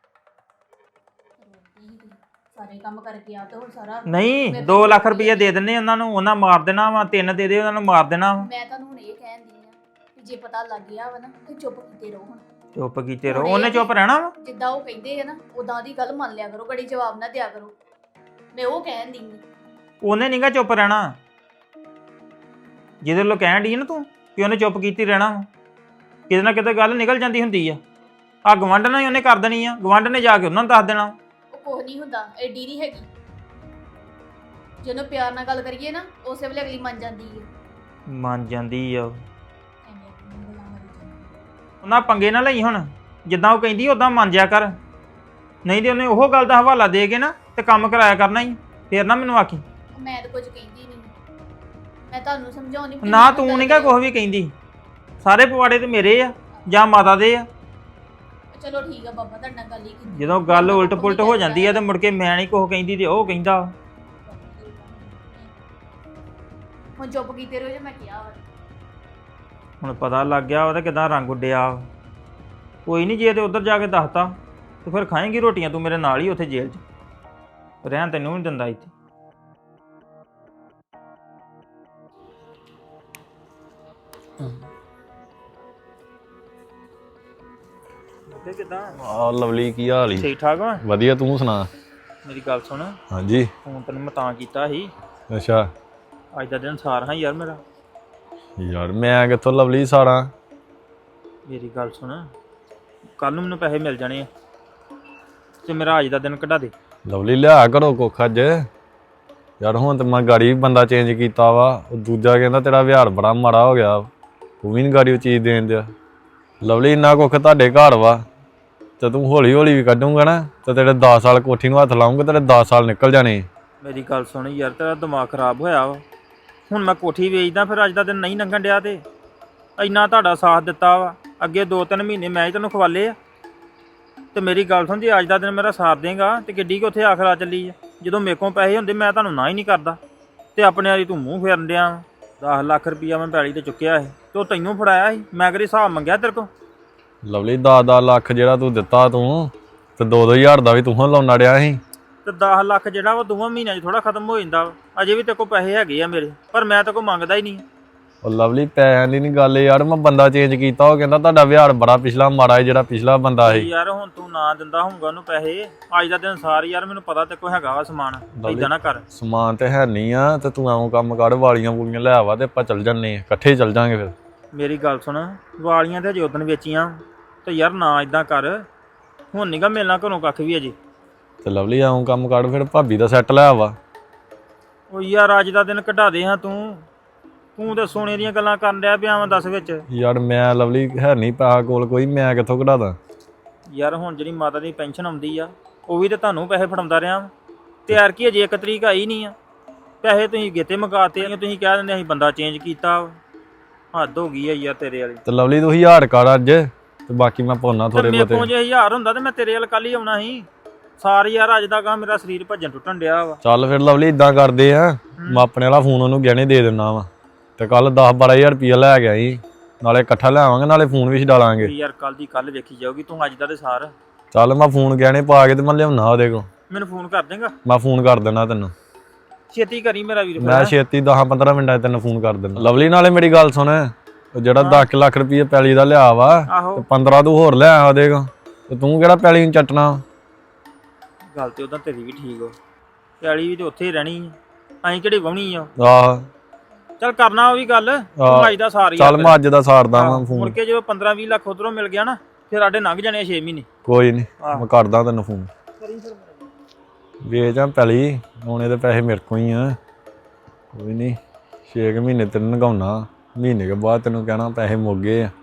ਸਾਰੇ ਕੰਮ ਕਰਕੇ ਆ ਤੇ ਹੁਣ ਸਾਰਾ
ਨਹੀਂ, ਦੋ ਲੱਖ ਰੁਪਈਆ ਦੇ ਦਿੰਨੇ ਉਹਨਾਂ ਨੂੰ, ਉਹਨਾਂ ਮਾਰ ਦੇਣਾ ਵਾ। ਤਿੰਨ ਦੇ ਦੇ, ਉਹਨਾਂ ਨੂੰ ਮਾਰ ਦੇਣਾ ਵਾ।
ਮੈਂ ਤੁਹਾਨੂੰ ਹੁਣ ਇਹ ਕਹਿਣ ਦੀ ਆ ਕਿ ਜੇ ਪਤਾ ਲੱਗ ਗਿਆ ਵਾ ਨਾ ਤੇ ਚੁੱਪ ਕੀਤੇ ਰਹੋ। ਹੁਣ
ਚੁੱਪ ਕੀਤੇ ਰਹੋ, ਉਹਨੇ ਚੁੱਪ ਰਹਿਣਾ ਵਾ।
ਜਿੱਦਾਂ ਉਹ ਕਹਿੰਦੇ ਆ ਨਾ ਉਦਾਂ ਦੀ ਗੱਲ ਮੰਨ ਲਿਆ ਕਰੋ, ਕੜੀ ਜਵਾਬ ਨਾ ਦਿਆ ਕਰੋ। ਮੈਂ ਉਹ ਕਹਿਣ ਦੀ ਆ।
ਉਹਨੇ ਨਹੀਂਗਾ ਚੁੱਪ ਰਹਿਣਾ। ਜਿਹਦੇ ਵੱਲੋਂ ਕਹਿਣ ਡਈ ਨਾ ਤੂੰ ਕਿ ਉਹਨੇ ਚੁੱਪ ਕੀਤੀ ਰਹਿਣਾ ਵਾ, ਕਿਤੇ ਨਾ ਕਿਤੇ ਗੱਲ ਨਿਕਲ ਜਾਂਦੀ ਹੁੰਦੀ ਆ। ਆ ਗਵਾਂਢ ਨਾਲ ਹੀ ਉਹਨੇ ਕਰ ਦੇਣੀ ਆ, ਗਵਾਂਢ ਨੇ ਜਾ ਕੇ ਉਹਨਾਂ ਨੂੰ ਦੱਸ ਦੇਣਾ।
ਉਹ ਕੁਝ ਨਹੀਂ ਹੁੰਦਾ, ਐਡੀ ਨਹੀਂ ਹੈਗੀ। ਜਦੋਂ ਪਿਆਰ ਨਾਲ ਗੱਲ ਕਰੀਏ ਨਾ, ਉਸੇ ਵੇਲੇ ਅਗਲੀ ਮੰਨ ਜਾਂਦੀ ਹੈ।
ਮੰਨ ਜਾਂਦੀ ਆ ਉਹ।
ਐਵੇਂ ਆਪਣੀਆਂ ਗੱਲਾਂ ਮਾਰੀ ਜਾਂਦੀ।
ਉਹਨਾਂ ਪੰਗੇ ਨਾ ਲਈ ਹੁਣ, ਜਿੱਦਾਂ ਉਹ ਕਹਿੰਦੀ ਉਦਾਂ ਮੰਨ ਜਿਆ ਕਰ, ਨਹੀਂ ਤੇ ਉਹਨੇ ਉਹ ਗੱਲ ਦਾ ਹਵਾਲਾ ਦੇ ਕੇ ਨਾ ਤੇ ਕੰਮ ਕਰਾਇਆ ਕਰਨਾ ਹੀ। ਫੇਰ ਨਾ ਮੈਨੂੰ ਆਖੀ
ਮੈਂ ਤਾਂ ਕੁਝ ਕਹਿੰਦੀ ਨਹੀਂ, ਮੈਂ ਤੁਹਾਨੂੰ ਸਮਝਾਉਣੀ।
ਨਾ ਤੂੰ ਨਹੀਂਗਾ ਕੁਛ ਵੀ ਕਹਿੰਦੀ। ਸਾਰੇ ਪਵਾੜੇ ਤੇ ਮੇਰੇ ਆ ਜਾਂ ਮਾਤਾ ਦੇ ਆ।
ਚਲੋ ਠੀਕ ਆ ਬਾਬਾ, ਤੁਹਾਡੇ ਨਾਲ ਗੱਲ ਹੀ ਕੀਤੀ।
ਜਦੋਂ ਗੱਲ ਉਲਟ ਪੁਲਟ ਹੋ ਜਾਂਦੀ ਆ ਤੇ ਮੁੜ ਕੇ ਮੈਂ ਨਹੀਂ ਕੁਛ ਕਹਿੰਦੀ ਤੇ ਉਹ ਕਹਿੰਦਾ।
ਹੁਣ ਚੁੱਪ ਕੀਤੇ ਰਹੋ ਜੇ ਮੈਂ ਕਿਹਾ ਵਾ।
ਹੁਣ ਪਤਾ ਲੱਗ ਗਿਆ ਉਹਦਾ ਕਿਦਾਂ ਰੰਗ ਉੱਡਿਆ। ਕੋਈ ਨਹੀਂ, ਜੇ ਤੇ ਉੱਧਰ ਜਾ ਕੇ ਦੱਸਤਾ ਤੇ ਫਿਰ ਖਾਏਂਗੀ ਰੋਟੀਆਂ ਤੂੰ ਮੇਰੇ ਨਾਲ ਹੀ ਉੱਥੇ ਜੇਲ੍ਹ 'ਚ। ਰਹਿਣ ਤੈਨੂੰ ਨਹੀਂ ਦਿੰਦਾ ਇੱਥੇ। ਤੇ ਕਿਦਾਂ
ਆ ਲਵਲੀ ਕੀ ਹਾਲ ਈ?
ਠੀਕ ਠਾਕ ਵਾ
ਵਧੀਆ, ਤੂੰ ਸੁਣਾ?
ਮੇਰੀ ਗੱਲ ਸੁਣ,
ਹਾਂਜੀ।
ਫੋਨ ਤੈਨੂੰ ਮੈਂ ਤਾਂ ਕੀਤਾ ਸੀ,
ਅੱਛਾ
ਅੱਜ ਦਾ ਦਿਨ ਸਾਰ ਹਾਂ ਯਾਰ ਮੇਰਾ।
ਯਾਰ ਮੈਂ ਕਿੱਥੋਂ ਲਵਲੀ ਸਾਰਾਂ?
ਮੇਰੀ ਗੱਲ ਸੁਣ, ਕੱਲ ਨੂੰ ਮੈਨੂੰ ਪੈਸੇ ਮਿਲ ਜਾਣੇ ਆ ਤੇ ਮੇਰਾ ਅੱਜ ਦਾ ਦਿਨ ਕਢਾ ਦੇ।
ਲਵਲੀ ਲਿਆ ਕਰੋ ਕੁੱਖ ਅੱਜ। ਯਾਰ ਹੁਣ ਤੇ ਮੈਂ ਗਾੜੀ ਬੰਦਾ ਚੇਂਜ ਕੀਤਾ ਵਾ, ਉਹ ਦੂਜਾ ਕਹਿੰਦਾ ਤੇਰਾ ਵਿਹਾਰ ਬੜਾ ਮਾੜਾ ਹੋ ਗਿਆ, ਤੂੰ ਵੀ ਨੀ ਗਾੜੀ ਉਹ ਚੀਜ਼ ਦੇਣ ਦਿਆ। ਲਵਲੀ ਇੰਨਾ ਕੁੱਖ ਤੁਹਾਡੇ ਘਰ ਵਾ ਤੇ ਤੂੰ ਹੌਲੀ ਹੌਲੀ ਵੀ ਕੱਢੂਗਾ ਨਾ ਤੇ ਤੇਰੇ ਦਸ ਸਾਲ ਕੋਠੀ ਨੂੰ ਹੱਥ ਲਾਉਂਗੇ, ਤੇਰੇ ਦਸ ਸਾਲ ਨਿਕਲ ਜਾਣੇ।
ਮੇਰੀ ਗੱਲ ਸੁਣ ਯਾਰ, ਤੇਰਾ ਦਿਮਾਗ ਖਰਾਬ ਹੋਇਆ ਵਾ। ਹੁਣ ਮੈਂ ਕੋਠੀ ਵੇਚਦਾ, ਫਿਰ ਅੱਜ ਦਾ ਦਿਨ ਨਹੀਂ ਲੰਘਣ ਡਿਆ ਤੇ ਇੰਨਾ ਤੁਹਾਡਾ ਸਾਥ ਦਿੱਤਾ ਵਾ। ਅੱਗੇ ਦੋ ਤਿੰਨ ਮਹੀਨੇ ਮੈਂ ਹੀ ਤੈਨੂੰ ਖਵਾਲੇ ਆ ਤੇ ਮੇਰੀ ਗੱਲ ਸੁਣ, ਜੇ ਅੱਜ ਦਾ ਦਿਨ ਮੇਰਾ ਸਾਥ ਦੇਗਾ ਤੇ ਕਿੱਡੀ ਕਿ ਉੱਥੇ ਆਖਰਾ ਚੱਲੀ ਆ। ਜਦੋਂ ਮੇਰੇ ਕੋਲ ਪੈਸੇ ਹੁੰਦੇ ਮੈਂ ਤੁਹਾਨੂੰ ਨਾ ਹੀ ਨਹੀਂ ਕਰਦਾ ਤੇ ਆਪਣੇ ਵਾਲੀ ਤੂੰ ਮੂੰਹ ਫੇਰਨ ਡਿਆ ਵਾ। ਦਸ ਲੱਖ ਰੁਪਈਆ ਮੈਂ ਪੈਲੀ ਤੇ ਚੁੱਕਿਆ ਸੀ ਤੇ ਉਹ ਤੈਨੂੰ ਫੜਾਇਆ ਸੀ, ਮੈਂ ਕਦੇ ਹਿਸਾਬ ਮੰਗਿਆ ਤੇਰੇ ਕੋਲ?
ਲਵਲੀ ਦਸ ਦਸ ਲੱਖ ਜਿਹੜਾ ਤੂੰ ਦਿੱਤਾ ਤੂੰ ਤੇ ਦੋ ਦੋ ਹਜ਼ਾਰ ਦਾ ਵੀ ਤੂੰ ਲਾਉਣਾ ਡਿਆ ਸੀ।
ਤੇ ਦਸ ਲੱਖ ਜਿਹੜਾ ਉਹ ਦੋਵਾਂ ਮਹੀਨਿਆਂ 'ਚ ਥੋੜਾ ਖਤਮ ਹੋ ਜਾਂਦਾ ਵਾ। ਅਜੇ ਵੀ ਤੇਰੇ ਕੋਲ ਪੈਸੇ ਹੈਗੇ ਆ ਮੇਰੇ, ਪਰ ਮੈਂ ਤੇਰੇ ਕੋਲ ਮੰਗਦਾ ਹੀ ਨਹੀਂ।
ਉਹ ਲਵਲੀ ਪੈਸਿਆਂ ਦੀ ਨਹੀਂ ਗੱਲ ਯਾਰ, ਮੈਂ ਬੰਦਾ ਚੇਂਜ ਕੀਤਾ, ਉਹ ਕਹਿੰਦਾ ਤੁਹਾਡਾ ਵਿਹਾਰ ਬੜਾ ਪਿਛਲਾ ਮਾੜਾ ਹੈ ਜਿਹੜਾ ਪਿਛਲਾ ਬੰਦਾ ਸੀ।
ਯਾਰ ਹੁਣ ਤੂੰ ਨਾ ਦਿੰਦਾ ਹੋਊਗਾ ਉਹਨੂੰ ਪੈਸੇ ਅੱਜ ਦਾ ਦਿਨ ਸਾਰ, ਯਾਰ ਮੈਨੂੰ ਪਤਾ ਤੇ ਕੋਈ ਹੈਗਾ ਵਾ ਸਮਾਨ, ਏਦਾਂ ਨਾ ਕਰ।
ਸਮਾਨ ਤੇ ਹੈ ਨਹੀਂ ਆ ਤੇ ਤੂੰ ਐਵੇਂ ਕੰਮ ਕਰ, ਵਾਲੀਆਂ ਵੂਲੀਆਂ ਲੈ ਆਵਾ ਤੇ ਆਪਾਂ ਚੱਲ ਜੰਨੇ ਆ, ਇਕੱਠੇ ਚੱਲ ਜਾਾਂਗੇ ਫਿਰ।
ਮੇਰੀ ਗੱਲ ਸੁਣ, ਵਾਲੀਆਂ ਤੇ ਅਜੇ ਉਦਣ ਵੇਚੀਆਂ ਤੇ ਯਾਰ ਨਾ ਇਦਾਂ ਕਰ, ਹੁਣ ਨੀਗਾ ਮਿਲਣਾ ਘਰੋਂ ਕੱਖ ਵੀ ਅਜੇ।
ਤੇ ਲਵਲੀ ਐਵੇਂ ਕੰਮ ਕਰ, ਫਿਰ ਭਾਬੀ ਦਾ ਸੈੱਟ ਲੈ ਆਵਾ।
ਉਹ ਯਾਰ ਅੱਜ ਦਾ ਦਿਨ ਕਢਾ ਦੇ ਹਾਂ ਤੂੰ ਤੂੰ ਤੇ ਸੋਨੇ ਦੀਆਂ ਗੱਲਾਂ ਕਰਨ ਡਿਆ ਪਿਆ ਵਾ ਦੱਸ ਵਿੱਚ।
ਯਾਰ ਮੈਂ ਲਵਲੀ ਹੈ ਨਹੀਂ ਪੈਸਾ ਕੋਲ ਕੋਈ, ਮੈਂ ਕਿੱਥੋਂ ਕਢਾਦਾ?
ਯਾਰ ਹੁਣ ਜਿਹੜੀ ਮਾਤਾ ਦੀ ਪੈਨਸ਼ਨ ਆਉਂਦੀ ਆ ਉਹ ਵੀ ਤੇ ਤੁਹਾਨੂੰ ਪੈਸੇ ਫੜਾਉਂਦਾ ਰਿਹਾ ਤੇ ਯਾਰ ਕੀ ਅਜੇ ਇੱਕ ਤਰੀਕ ਆਈ ਨਹੀਂ ਆ, ਪੈਸੇ ਤੁਸੀਂ ਗੇਤੇ ਮੁਕਾਤੇ ਆ, ਤੁਸੀਂ ਕਹਿ ਦਿੰਦੇ ਅਸੀਂ ਬੰਦਾ ਚੇਂਜ ਕੀਤਾ। ਹੱਦ ਹੋ ਗਈ ਆ ਯਾਰ ਤੇਰੇ ਵਾਲੀ।
ਤੇ ਲਵਲੀ ਤੂੰ ਹਜ਼ਾਰ ਕਰ ਅੱਜ ਤੇ ਬਾਕੀ ਮੈਂ ਪਾਉਣਾ ਥੋੜੇ
ਮੇਰੇ
ਬਹੁਤੇ।
ਕੋਲ ਜੇ ਹਜ਼ਾਰ ਹੁੰਦਾ ਤੇ ਮੈਂ ਤੇਰੇ ਵੱਲ ਕੱਲ ਹੀ ਆਉਣਾ ਸੀ। ਸਾਰੇ ਯਾਰ ਅੱਜ ਦਾ ਕੰਮ ਮੇਰਾ ਸਰੀਰ ਭੱਜਣ ਟੁੱਟਣ ਡਿਆ ਵਾ।
ਚੱਲ ਫਿਰ ਲਵਲੀ ਇਦਾਂ ਕਰਦੇ ਆ, ਮੈਂ ਆਪਣੇ ਵਾਲਾ ਫੋਨ ਉਹਨੂੰ ਗਹਿਣੇ ਦੇ ਦਿੰਦਾ ਵਾ ਤੇ ਕੱਲ ਦਸ ਬਾਰਾਂ ਹਜ਼ਾਰ ਰੁਪਈਆ ਲੈ ਗਿਆ ਸੀ, ਨਾਲੇ ਇਕੱਠਾ ਲੈ ਆਵਾਂਗੇ ਨਾਲੇ ਫੋਨ ਵੀ ਛਡਾਲਾਂਗੇ।
ਯਾਰ ਕੱਲ ਦੀ ਕੱਲ ਵੇਖੀ ਜਾਊਗੀ, ਤੂੰ ਅੱਜ ਦਾ ਤੇ ਸਾਰ।
ਚੱਲ ਮੈਂ ਫੋਨ ਗਹਿਣੇ ਪਾ ਕੇ ਤੇ ਮੈਂ ਲਿਆਉਣਾ ਉਹਦੇ ਕੋਲ।
ਮੈਨੂੰ ਫੋਨ ਕਰ ਦੇਂਗਾ?
ਮੈਂ ਫੋਨ ਕਰ ਦੇਣਾ ਤੈਨੂੰ,
ਛੇਤੀ ਕਰੀ ਮੇਰਾ ਵੀਰ।
ਮੈਂ ਛੇਤੀ ਦਸ ਪੰਦਰਾਂ ਮਿੰਟਾਂ 'ਚ ਤੈਨੂੰ ਫੋਨ ਕਰ ਦੇਣਾ। ਲਵਲੀ ਨਾਲੇ ਮੇਰੀ ਗੱਲ ਸੁਣ, ਉਹ ਜਿਹੜਾ ਦਸ ਲੱਖ ਰੁਪਈਆ ਪੈਲੀ ਦਾ ਲਿਆ ਵਾ ਤੇ ਪੰਦਰਾਂ ਤੂੰ ਹੋਰ ਲੈ ਆ ਉਹਦੇ ਕੋਲ, ਤੇ ਤੂੰ ਕਿਹੜਾ ਪੈਲੀ ਨੂੰ ਚੱਟਣਾ?
ਗੱਲ ਤੇ ਉਦਾਂ ਤੇਰੀ ਵੀ ਠੀਕ ਹੋ, ਪੈਲੀ ਵੀ ਤੇ ਉੱਥੇ ਹੀ ਰਹਿਣੀ ਆ, ਅਸੀਂ ਕਿਹੜੀ ਵਾਹਣੀ ਆ।
ਆਹ
ਚੱਲ ਕਰਨਾ ਉਹ ਵੀ ਗੱਲ, ਤੂੰ ਅੱਜ ਦਾ ਸਾਰ।
ਚੱਲ ਮੈਂ ਅੱਜ ਦਾ ਸਾਰਦਾ ਵਾਂ
ਮੁੜ
ਫੋਨ।
ਕੇ ਜਦੋਂ ਪੰਦਰਾਂ ਵੀਹ ਲੱਖ ਉਧਰੋਂ ਮਿਲ ਗਿਆ ਨਾ ਫਿਰ ਸਾਡੇ ਲੰਘ ਜਾਣੇ ਛੇ ਮਹੀਨੇ।
ਕੋਈ ਨਹੀਂ ਮੈਂ ਕਰਦਾ ਤੈਨੂੰ ਫੋਨ। ਵੇਚ ਆ ਪੈਲੀ, ਹੁਣ ਇਹਦੇ ਪੈਸੇ ਮੇਰੇ ਕੋਲ ਹੀ ਆ। ਕੋਈ ਨਹੀਂ ਛੇ ਕੁ ਮਹੀਨੇ ਤੈਨੂੰ ਨਗਾਉਣਾ, ਮਹੀਨੇ ਕੇ ਬਾਅਦ ਤੈਨੂੰ ਕਹਿਣਾ ਪੈਸੇ ਮੁੱਕ ਗਏ ਆ।